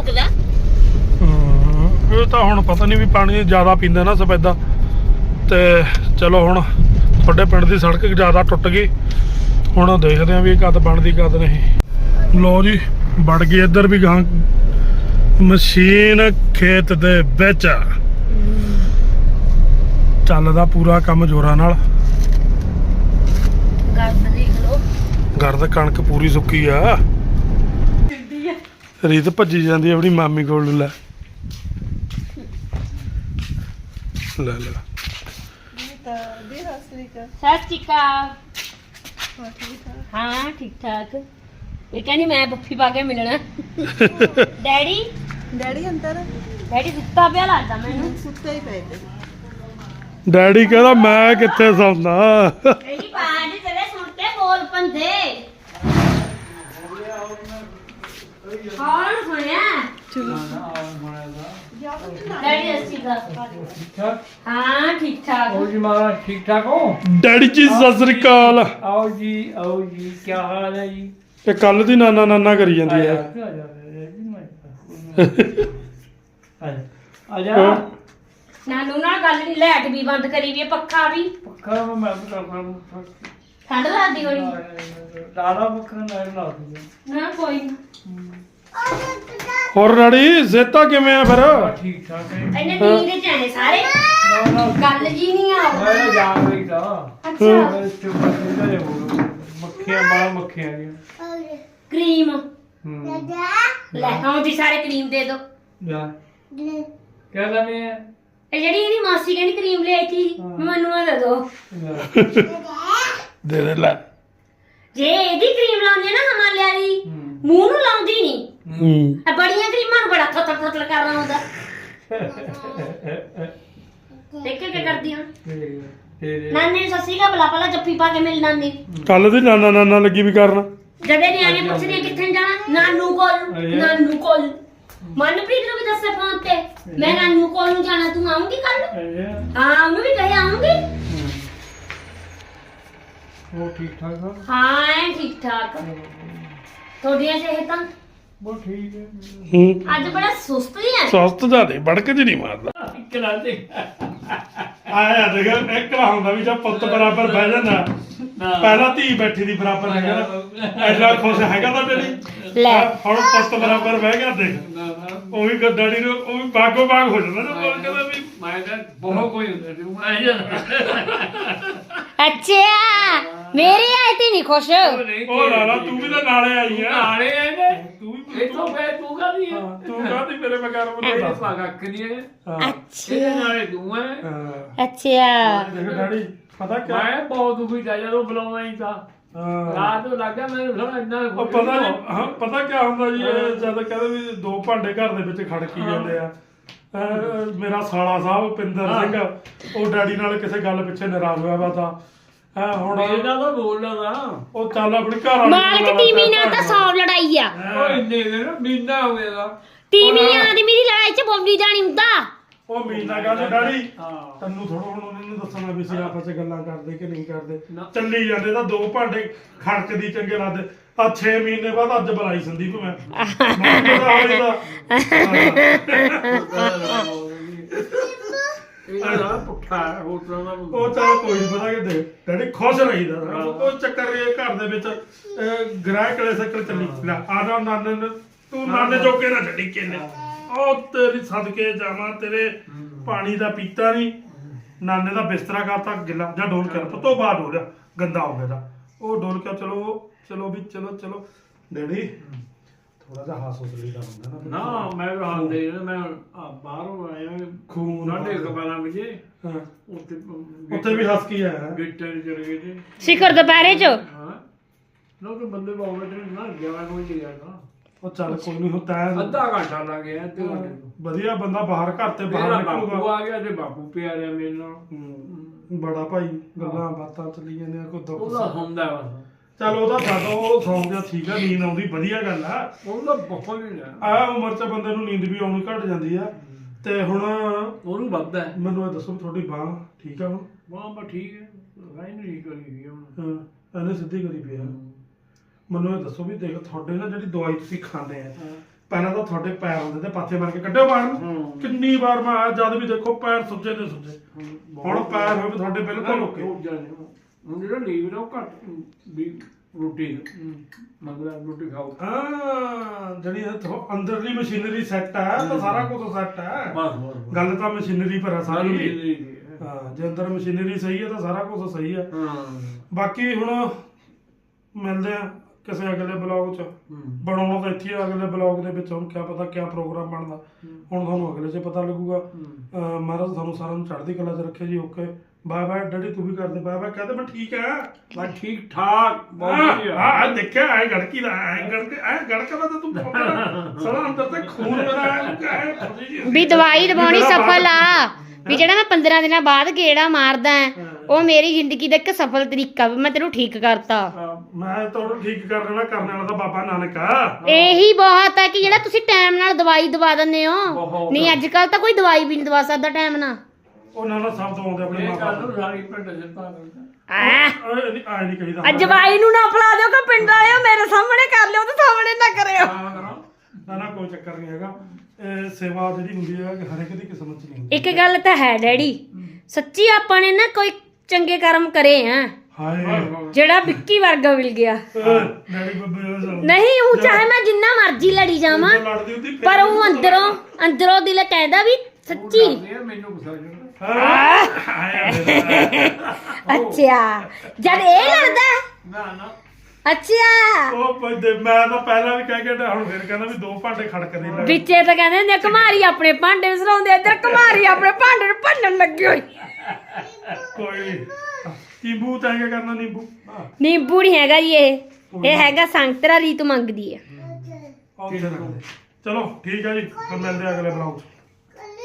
ਇਹ ਤਾਂ ਹੁਣ ਪਤਾ ਨਹੀਂ ਵੀ ਪਾਣੀ ਜ਼ਿਆਦਾ ਪੀਂਦਾ ਨਾ ਸਫੈਦਾ ਤੇ ਚਲੋ ਹੁਣ ਤੁਹਾਡੇ ਪਿੰਡ ਦੀ ਸੜਕ ਜ਼ਿਆਦਾ ਟੁੱਟ ਗਈ ਹੁਣ ਦੇਖਦੇ ਆਂ ਵੀ ਕਦ ਬਣਦੀ ਕਦ ਨਹੀਂ ਲੋ ਜੀ ਵੜ ਗਈ ਇੱਧਰ ਵੀ ਗਾਂ ਮਸ਼ੀਨ ਖੇਤ ਦੇ ਵਿੱਚ ਚੱਲਦਾ ਪੂਰਾ ਕੰਮ ਜ਼ੋਰਾਂ ਨਾਲ ਗਰਦ ਕਣਕ ਪੂਰੀ ਸੁੱਕੀ ਆ ਰੀਤ ਭੱਜੀ ਜਾਂਦੀ ਆਪਣੀ ਮਾਮੀ ਕੋਲ ਲੈ ਸਤਿ ਸ਼੍ਰੀ ਅਕਾਲ ਹਾਂ ਠੀਕ ਠਾਕ ਇਹ ਕਹਿੰਦੀ ਮੈਂ ਬੱਫੀ ਪਾ ਕੇ ਮਿਲਣਾ ਡੈਡੀ ਅੰਦਰ ਡੈਡੀ ਸੁੱਤਾ ਪਿਆ ਲੱਗਦਾ ਮੈਨੂੰ ਸੁੱਤਾ ਹੀ ਪਏ ਡੈਡੀ ਕਹਿੰਦਾ ਮੈਂ ਕਿੱਥੇ ਸੌਂਦਾ ਡੈਡੀ ਪਾਣੀ ਤੇਰੇ ਸੁਣ ਕੇ ਬੋਲ ਪੰਦੇ ਕੌਣ ਸੁਣਿਆ ਡੈਡੀ ਅੱਛੀ ਦਾ ਹਾਂ ਠੀਕ ਠਾਕ आओ जी महाराज ठीक ठाक हो ਡੈਡੀ ਜੀ ਸਤਿ ਸ੍ਰੀ ਅਕਾਲ आओ जी क्या हाल है जी ਇਹ ਕੱਲ ਦੀ ਨਾਨਾ ਕਰੀ ਜਾਂਦੀ ਹੈ ਆ ਜਾ ਨਾਨੂ ਨਾਲ ਗੱਲ ਨਹੀਂ, ਲਾਈਟ ਵੀ ਬੰਦ ਕਰੀ ਵੀ ਹੈ, ਪੱਖਾ ਵੀ। ਪੱਖਾ ਮੈਂ ਕਰਦਾ ਠੰਡ ਲੱਗਦੀ ਹੋਣੀ। ਲਾਲਾ ਪੱਖਾ ਨਾਲ ਲਾ ਦੂੰਗਾ ਨਾ ਕੋਈ ਨਾ, ਹੋਰ ਡੈਡੀ ਸਿਹਤਾਂ ਕਿਵੇਂ ਆ ਫਿਰ? ਠੀਕ ਠਾਕ ਹੈ ਇਹਨੇ ਨੀਂਦ ਚ ਆਏ ਸਾਰੇ, ਨਾ ਗੱਲ ਜੀ ਨਹੀਂ ਆ। ਮੈਂ ਜਾ ਰਹੀ ਤਾਂ ਅੱਛਾ ਮੈਂ ਚੁੱਪ ਕਰਕੇ ਹੋ ਮੱਖੀਆਂ ਬਾਹਰ ਮੱਖੀਆਂ ਆ ਗਈਆਂ ਕਰੀਮ ਹੂੰ ਲੈ ਆਓ ਜੀ, ਸਾਰੇ ਕਰੀਮ ਦੇ ਦੋ। ਜਾ ਕਿਆ ਕਰਨੀ ਹੈ ਇਹ ਜਿਹੜੀ ਇਹਦੀ ਮਾਸੀ ਕਹਿੰਦੀ ਕਰੀਮ ਲੈ ਆਈ ਸੀ, ਮੈਨੂੰ ਆ ਦੇ ਦੋ। ਦੇ ਦੇ ਲੈ। ਜੇ ਇਹਦੀ ਕਰੀਮ ਲਾਉਂਦੀ ਆ ਨਾ ਹਿਮਾਲਿਆ ਦੀ, ਮੂੰਹ ਨੂੰ ਲਾਉਂਦੀ ਨਹੀਂ। ਆ ਬੜੀਆਂ ਕਰੀਮਾਂ ਨੂੰ ਬੜਾ ਥੋਤਰ ਥੋਤਰ ਕਰਨਾ ਹੁੰਦਾ। ਦੇਖੇ ਕੀ ਕਰਦੀਆਂ ਤੇਰੇ ਨਾਨੇ ਨੂੰ ਸੱਸੀ ਕਾ ਬਲਾ ਪਹਿਲਾਂ ਜੱਫੀ ਪਾ ਕੇ ਮਿਲ ਨਾਨੀ। ਕੱਲ ਦੀ ਨਾਨਾ ਲੱਗੀ ਵੀ ਕਰਨ। ਜਦੇ ਨਿਆਣੇ ਪੁੱਛਦੇ ਕਿੱਥੇ ਜਾਣਾ, ਨਾਨੂ ਕੋਲ। ਨਾਨੂ ਕੋਲ ਮਨਪ੍ਰੀਤ ਨੂੰ ਵੀ ਦੱਸੇ ਫੋਨ ਤੇ, ਮੈਂ ਨਾਨੂ ਕੋਲ ਨੂੰ ਜਾਣਾ, ਤੂੰ ਆਉਂਗੀ ਕੱਲ? ਹਾਂ ਉਹਨੂੰ ਵੀ ਕਹੇ ਆਉਂਗੀ। ਉਹ ਠੀਕ ਠਾਕ ਆ ਹਾਂ ਐ ਠੀਕ ਠਾਕ। ਤੁਹਾਡੀਆਂ ਸਿਹਤਾਂ ਉਹ ਠੀਕ ਹੈ ਹੂੰ ਅੱਜ ਬੜਾ ਸੁਸਤ ਜਿਹਾ। ਸਵਸਥ ਜਾਦੇ ਬੜਕ ਜੀ ਨਹੀਂ ਮਾਰਦਾ। ਕਿਹੜਾ ਦੇ ਆਇਆ ਦੇਖ ਇੱਕ ਨਾ ਹੁੰਦਾ ਵੀ ਜਦ ਪੁੱਤ ਬਰਾਬਰ ਬਹਿ ਜਾਂਦਾ, ਪਹਿਲਾਂ ਧੀ ਬੈਠੀ ਦੀ ਬਰਾਬਰ ਹੈਗਾ ਨਾ, ਐਡਾ ਖੁਸ਼ ਹੈਗਾ ਤਾਂ ਡੈਡੀ। ਲੈ। ਹੁਣ ਪੁੱਤ ਬਰਾਬਰ ਬਹਿ ਗਿਆ ਦੇਖ, ਉਹ ਵੀ ਡੈਡੀ ਨੂੰ ਉਹ ਵੀ ਬਾਗੋ ਬਾਗ ਹੋ ਜਾਂਦਾ ਨਾ, ਬੋਲ ਕਹਿੰਦਾ ਵੀ ਮੈਂ ਤਾਂ ਬਹੁਤ ਕੋਈ ਹੁੰਦਾ ਸੀ ਮੈਂ ਅੱਛਾ ਮੇਰੇ ਆਏ ਤੇ ਨਹੀਂ ਖੁਸ਼। ਉਹ ਲਾਲਾ ਤੂੰ ਵੀ ਤਾਂ ਨਾਲੇ ਆਈ ਆ। ਨਾਲੇ ਆਏ ਨੇ ਤੂੰ ਵੀ ਇਹ ਤੋਂ ਫੇਰ ਤੂੰ ਕਾਹਦੀ ਹੈ ਤੂੰ ਕਾਹਦੀ ਮੇਰੇ ਬਗੈਰ ਇਹ ਬਣਾਉਂਦਾ। ਪਾਗਾ ਕਰੀ ਹੈ ਅੱਛਾ ਇਹਦੇ ਨਾਲੇ ਤੂੰ ਹੈ ਅੱਛਾ ਦੇਖ ਡੈਡੀ ਪਤਾ ਕਿਆ ਮੈਂ ਬਹੁਤ ਦੁਖੀ ਜਾ ਜਦੋਂ ਬੁਲਾਉਣਾ ਹੀ ਤਾਂ ਹਾਂ। ਰਾਤ ਨੂੰ ਲੱਗਾ ਮੈਨੂੰ ਥੋੜਾ ਇੰਨਾ ਉਹ ਪਤਾ ਨਹੀਂ ਹਾਂ ਪਤਾ ਕੀ ਹੁੰਦਾ ਜੀ, ਇਹ ਜਦ ਕਹਿੰਦੇ ਵੀ ਦੋ ਭਾਂਡੇ ਘਰ ਦੇ ਵਿੱਚ ਖੜਕੀ ਜਾਂਦੇ ਆ। ਮੇਰਾ ਸਾਲਾ ਸਾਹਿਬ ਪਿੰਦਰ ਸਿੰਘ ਉਹ ਡੈਡੀ ਨਾਲ ਕਿਸੇ ਗੱਲ ਪਿੱਛੇ ਨਾਰਾਜ਼ ਹੋਇਆ ਵਾ ਤਾਂ ਹੁਣ ਮੇਰੇ ਨਾਲ ਤਾਂ ਬੋਲਦਾ ਨਾ ਉਹ ਚੱਲ ਆਪਣੀ ਘਰ ਵਾਲੀ ਮਾਲਕ ਤੀਵੀਂ ਨਾਲ ਤਾਂ 100 ਲੜਾਈ ਆ। ਉਹ ਇੰਨੇ ਦਿਨ ਮਹੀਨਾ ਹੋ ਗਿਆ ਦਾ ਤੀਵੀਂ ਆਦਮੀ ਦੀ ਲੜਾਈ ਚ ਬੋਲੀ ਜਾਣੀ ਹੁੰਦਾ। ਉਹ ਮੀਨਾ ਕਹਿੰਦੇ ਡੈਡੀ ਹਾਂ ਤੈਨੂੰ ਥੋੜਾ ਹੁਣ ਉਹਨਾਂ ਨੂੰ ਦੱਸਣਾ ਵੀ ਸੀ ਆਪਸ ਚ ਗੱਲਾਂ ਕਰਦੇ ਕਿ ਨਹੀਂ ਕਰਦੇ। ਨਾ। ਚੱਲੀ ਜਾਂਦੇ ਤਾਂ ਦੋ ਭਾਂਡੇ ਖੜਕਦੀ ਚੰਗੇ ਲੱਗਦੇ ਆ। 6 ਮਹੀਨੇ ਬਾਅਦ ਅੱਜ ਬੁਲਾਈ ਸੰਦੀਪ ਮੈਂ ਪਤਾ ਹੋਈ ਤਾਂ ਇਹ ਨਾ ਪੁੱਠਾ ਹੋਟਲਾਂ ਦਾ ਉਹ ਚੱਲ ਕੋਈ ਨਹੀਂ ਪਤਾ ਕਿ ਦੇ ਡੈਡੀ ਖੁਸ਼ ਰਹੀਦਾ ਉਹ ਚੱਕਰ ਇਹ ਘਰ ਦੇ ਵਿੱਚ ਗ੍ਰਹਿ ਕਲੇ ਸਕਲ ਚੱਲੀ ਲੈ ਆਦਾ ਨਾਨੇ ਨੂੰ ਤੂੰ ਨਾਨੇ ਜੋਗੇ ਨਾ ਛੱਡੀ ਕਿੰਨੇ ਉਹ ਤੇਰੀ ਸਦਕੇ ਜਾਵਾਂ ਤੇਰੇ ਪਾਣੀ ਦਾ ਪੀਤਾ ਨਹੀਂ। ਨਾਨੇ ਦਾ ਬਿਸਤਰਾ ਕਰਤਾ ਗਿੱਲਾ ਜਾਂ ਡੋਲ ਕੇ ਪਤੋਂ ਬਾਅਦ ਹੋ ਗਿਆ ਗੰਦਾ ਹੋ ਗਿਆ ਤਾਂ ਉਹ ਡੋਲ ਕੇ ਚਲੋ ਵੀ ਚਲੋ ਡੈਡੀ ਥੋੜਾ ਜਿਹਾ ਹਾਸ ਉਸਲੀ ਦਾ ਹੁੰਦਾ ਨਾ ਮੈਂ ਹਾਲ ਦੇ ਮੈਂ ਬਾਹਰੋਂ ਆਇਆ ਖੂਨ ਨਾਡੇ ਕਬਾਲਾਂ ਵਿੱਚ ਹਾਂ ਉੱਥੇ ਵੀ ਹੱਸ ਕੀ ਆਇਆ ਗਿੱਟੇ ਚਲੇ ਗਏ ਤੇ ਸਿਖਰ ਦੁਪਹਿਰੇ ਚ ਹਾਂ ਲੋਕ ਬੰਦੇ ਬਹੁਤ ਬੈਠੇ ਨਾ 11 ਵਜੇ ਗਿਆ ਨਾ ਉਹ ਚੱਲ ਕੋਈ ਨਹੀਂ ਹੁੰਦਾ ਅੱਧਾ ਘੰਟਾ ਲੱਗ ਗਿਆ ਅੱਧੇ ਘੰਟੇ ਨੂੰ ਵਧੀਆ ਬੰਦਾ ਬਾਹਰ ਘਰ ਤੇ ਮੇਰਾ ਬਾਹਰ ਬਾਪੂ ਨਿਕਲੂਗਾ। ਆ ਗਿਆ ਤੇ ਬਾਪੂ ਪਿਆ ਰਿਹਾ ਮੇਰੇ ਨਾਲ ਬੜਾ ਭਾਈ ਗੱਲਾਂ ਬਾਤਾਂ ਚੱਲੀ ਜਾਂਦੀਆਂ ਕੋਈ ਦੁੱਖ ਉਹਦਾ ਹੁੰਦਾ ਬਸ ਚੱਲ ਉਹਦਾ ਸਾਡਾ ਉਹ ਸੌਂ ਗਿਆ ਠੀਕ ਆ, ਨੀਂਦ ਆਉਂਦੀ ਵਧੀਆ ਗੱਲ ਆ। ਉਹਦਾ ਬਹੁਤ ਹੀ ਨਾ ਆ ਉਮਰ 'ਚ ਬੰਦੇ ਨੂੰ ਨੀਂਦ ਵੀ ਆਉਣੀ ਘਟ ਜਾਂਦੀ ਆ। ਤੇ ਹੁਣ ਉਹਨੂੰ ਵੱਧਦਾ ਹੈ ਮੈਨੂੰ ਇਹ ਦੱਸੋ ਵੀ ਤੁਹਾਡੀ ਬਾਂਹ ਠੀਕ ਆ ਹੁਣ? ਵਾਹ ਬਾ ਠੀਕ ਹੈ ਰਾਈ ਨਹੀਂ ਕਰੀ ਗਈ ਹੁਣ ਹਾਂ ਇਹਨੇ ਸਿੱਧੀ ਕਰੀ ਪਈ ਆ। ਮੈਨੂੰ ਇਹ ਦੱਸੋ ਵੀ ਦੇਖ ਤੁਹਾਡੇ ਨਾ ਜਿਹੜੀ ਦਵਾਈ ਤੁਸੀਂ ਖਾਂਦੇ ਆ ਪਹਿਲਾਂ ਤਾਂ ਤੁਹਾਡੇ ਪੈਰ ਹੁੰਦੇ ਤੇ ਪਾਥੇ ਮਾਰ ਕੇ ਕੱਢਿਓ ਬਾਹਰ ਨੂੰ। ਕਿੰਨੀ ਵਾਰ ਮੈਂ ਆਇਆ ਜਦ ਵੀ ਦੇਖੋ ਪੈਰ ਸੁੱਜੇ ਤੇ ਸੁੱਜੇ, ਹੁਣ ਪੈਰ ਹੋਵੇ ਤੁਹਾਡੇ ਬਿਲਕੁਲ ਓਕੇ। ਹੁਣ ਜਿਹੜਾ ਲੀਵਰ ਆ ਉਹ ਘੱਟ ਵੀ ਰੋਟੀ ਮਤਲਬ ਰੋਟੀ ਖਾਓ ਹਾਂ ਜਿਹੜੀ ਅੰਦਰਲੀ ਮਸ਼ੀਨਰੀ ਸੈੱਟ ਹੈ ਤਾਂ ਸਾਰਾ ਕੁਝ ਸੈੱਟ ਹੈ। ਬਸ ਗੱਲ ਤਾਂ ਮਸ਼ੀਨਰੀ ਪਰ ਆ ਸਾਰੀ। ਹਾਂ ਹਾਂ ਜੇ ਅੰਦਰ ਮਸ਼ੀਨਰੀ ਸਹੀ ਹੈ ਤਾਂ ਸਾਰਾ ਕੁਝ ਸਹੀ ਹੈ। ਹਾਂ ਬਾਕੀ ਹੁਣ ਮਿਲਦੇ ਆ ਕਿਸੇ ਅਗਲੇ ਬਲੌਗ 'ਚ। ਬਣਾਉਣਾ ਤਾਂ ਇੱਥੇ ਆ ਅਗਲੇ ਬਲੌਗ ਦੇ ਵਿੱਚ, ਹੁਣ ਕਿਆ ਪਤਾ ਕਿਆ ਪ੍ਰੋਗਰਾਮ ਬਣਦਾ ਹੁਣ ਤੁਹਾਨੂੰ ਅਗਲੇ 'ਚ ਪਤਾ ਲੱਗੂਗਾ। ਮਹਾਰਾਜ ਤੁਹਾਨੂੰ ਸਾਰਿਆਂ ਨੂੰ ਚੜ੍ਹਦੀ ਕਲਾ 'ਚ ਰੱਖੇ ਜੀ। ਓਕੇ ਬਾਏ ਬਾਏ ਡੈਡੀ, ਤੂੰ ਵੀ ਕਰਦੇ ਬਾਏ ਬਾਏ। ਕਹਿੰਦੇ ਮੈਂ ਠੀਕ ਆ ਮੈਂ ਠੀਕ ਠਾਕ ਬਹੁਤ ਵਧੀਆ ਹਾਂ ਦੇਖਿਆ ਐ ਗੜਕੀ ਦਾ ਐ ਗੜਕਦਾ ਤਾਂ ਤੂੰ ਸਾਰਾ ਅੰਦਰ ਤੇ ਖੂਨ ਮੇਰਾ ਵੀ ਦਵਾਈ ਦਵਾਉਣੀ ਸਫਲ ਆ। ਵੀ ਜਿਹੜਾ ਮੈਂ 15 ਦਿਨਾਂ ਬਾਅਦ ਗੇੜਾ ਮਾਰਦਾ ਉਹ ਮੇਰੀ ਜ਼ਿੰਦਗੀ ਦਾ ਇੱਕ ਸਫਲ ਤਰੀਕਾ ਵੀ ਮੈਂ ਤੈਨੂੰ ਠੀਕ ਕਰਤਾ। ਮੈਂ ਤੁਹਾਨੂੰ ਠੀਕ ਕਰਨ ਵਾਲਾ ਤਾਂ ਬਾਬਾ ਨਾਨਕ ਆ। ਇਹੀ ਬਹੁਤ ਹੈ ਕਿ ਜਿਹੜਾ ਤੁਸੀਂ ਟਾਈਮ ਨਾਲ ਦਵਾਈ ਦਵਾ ਦਿੰਦੇ ਹੋ। ਨਹੀਂ ਅੱਜ ਕੱਲ ਤਾਂ ਕੋਈ ਦਵਾਈ ਵੀ ਨਹੀਂ ਦਵਾ ਸਕਦਾ ਟਾਈਮ ਨਾਲ। ਉਹਨਾਂ ਨਾਲ ਸਭ ਤੋਂ ਆਉਂਦੇ ਆਪਣੇ ਇਹ ਮਾਂ ਗੱਲ ਬਾਪ ਨੂੰ ਸਾਰੀ ਪਿੰਡ ਜਿੱਤਾ ਕਰਦਾ ਆ ਨਹੀਂ ਕਹੀਦਾ। ਜਵਾਈ ਨੂੰ ਨਾ ਫੜਾ ਦਿਓ ਕਿ ਪਿੰਡ ਆਇਓ ਮੇਰੇ ਸਾਹਮਣੇ ਕਰ ਲਿਓ ਤੇ ਸਾਹਮਣੇ ਨਾ ਕਰਿਓ। ਨਾ ਕੋਈ ਚੱਕਰ ਨਹੀਂ ਹੈਗਾ। ਇਹ ਸੇਵਾ ਜਿਹੜੀ ਹੁੰਦੀ ਹੈ ਹਰ ਇੱਕ ਦੀ ਕਿਸਮਤ 'ਚ ਨਹੀਂ ਹੁੰਦੀ। ਇੱਕ ਗੱਲ ਤਾਂ ਹੈ ਡੈਡੀ, ਸੱਚੀ ਆਪਾਂ ਨੇ ਨਾ ਕੋਈ ਚੰਗੇ ਕਰਮ ਕਰੇ ਆ ਹਾਏ ਜਿਹੜਾ ਵਿੱਕੀ ਵਰਗਾ ਮਿਲ ਗਿਆ। ਡੈਡੀ ਬੱਬੇ ਨਹੀਂ ਉਹ ਚਾਹੇ ਮੈਂ ਜਿੰਨਾ ਮਰਜ਼ੀ ਲੜੀ ਜਾਵਾਂ, ਲੜਦੀ ਹੁੰਦੀ ਪਰ ਉਹ ਅੰਦਰੋਂ ਦਿਲ ਕਹਿੰਦਾ ਵੀ ਸੱਚੀ। ਯਾਰ ਮੈਨੂੰ ਗੁੱਸਾ ਚੜਦਾ। ਅੱਛਾ ਜਦ ਇਹ ਲੜਦਾ। ਨਾ ਅੱਛਾ ਉਹ ਬੰਦੇ ਮੈਂ ਤਾਂ ਪਹਿਲਾਂ ਵੀ ਕਹਿ ਕੇ ਹਟਿਆ, ਹੁਣ ਫਿਰ ਕਹਿੰਦਾ ਵੀ 2 ਭਾਂਡੇ ਖੜਕਦੇ ਨੇ। ਵਿੱਚੇ ਤਾਂ ਕਹਿੰਦੇ ਹੁੰਦੇ ਆ, ਘਮਾਰੀ ਆਪਣੇ ਭਾਂਡੇ ਨੂੰ ਸਰਾਉਂਦੇ, ਇੱਧਰ ਘਮਾਰੀ ਆਪਣੇ ਭਾਂਡੇ ਨੂੰ ਭੰਨਣ ਲੱਗੀ ਹੋਈ। ਕੋਈ ਨਿੰਬੂ ਤਾਂ ਹੈਗਾ ਕਰਨਾ ਨਿੰਬੂ ਨਿੰਬੂ ਨਹੀਂ ਹੈਗਾ ਜੀ, ਇਹ ਹੈਗਾ ਸੰਤਰਾ ਰੀਤ ਮੰਗਦੀ ਹੈ। ਚਲੋ ਠੀਕ ਹੈ ਜੀ, ਫਿਰ ਮਿਲਦੇ ਆ ਅਗਲੇ ਬਲੌਗ 'ਚ।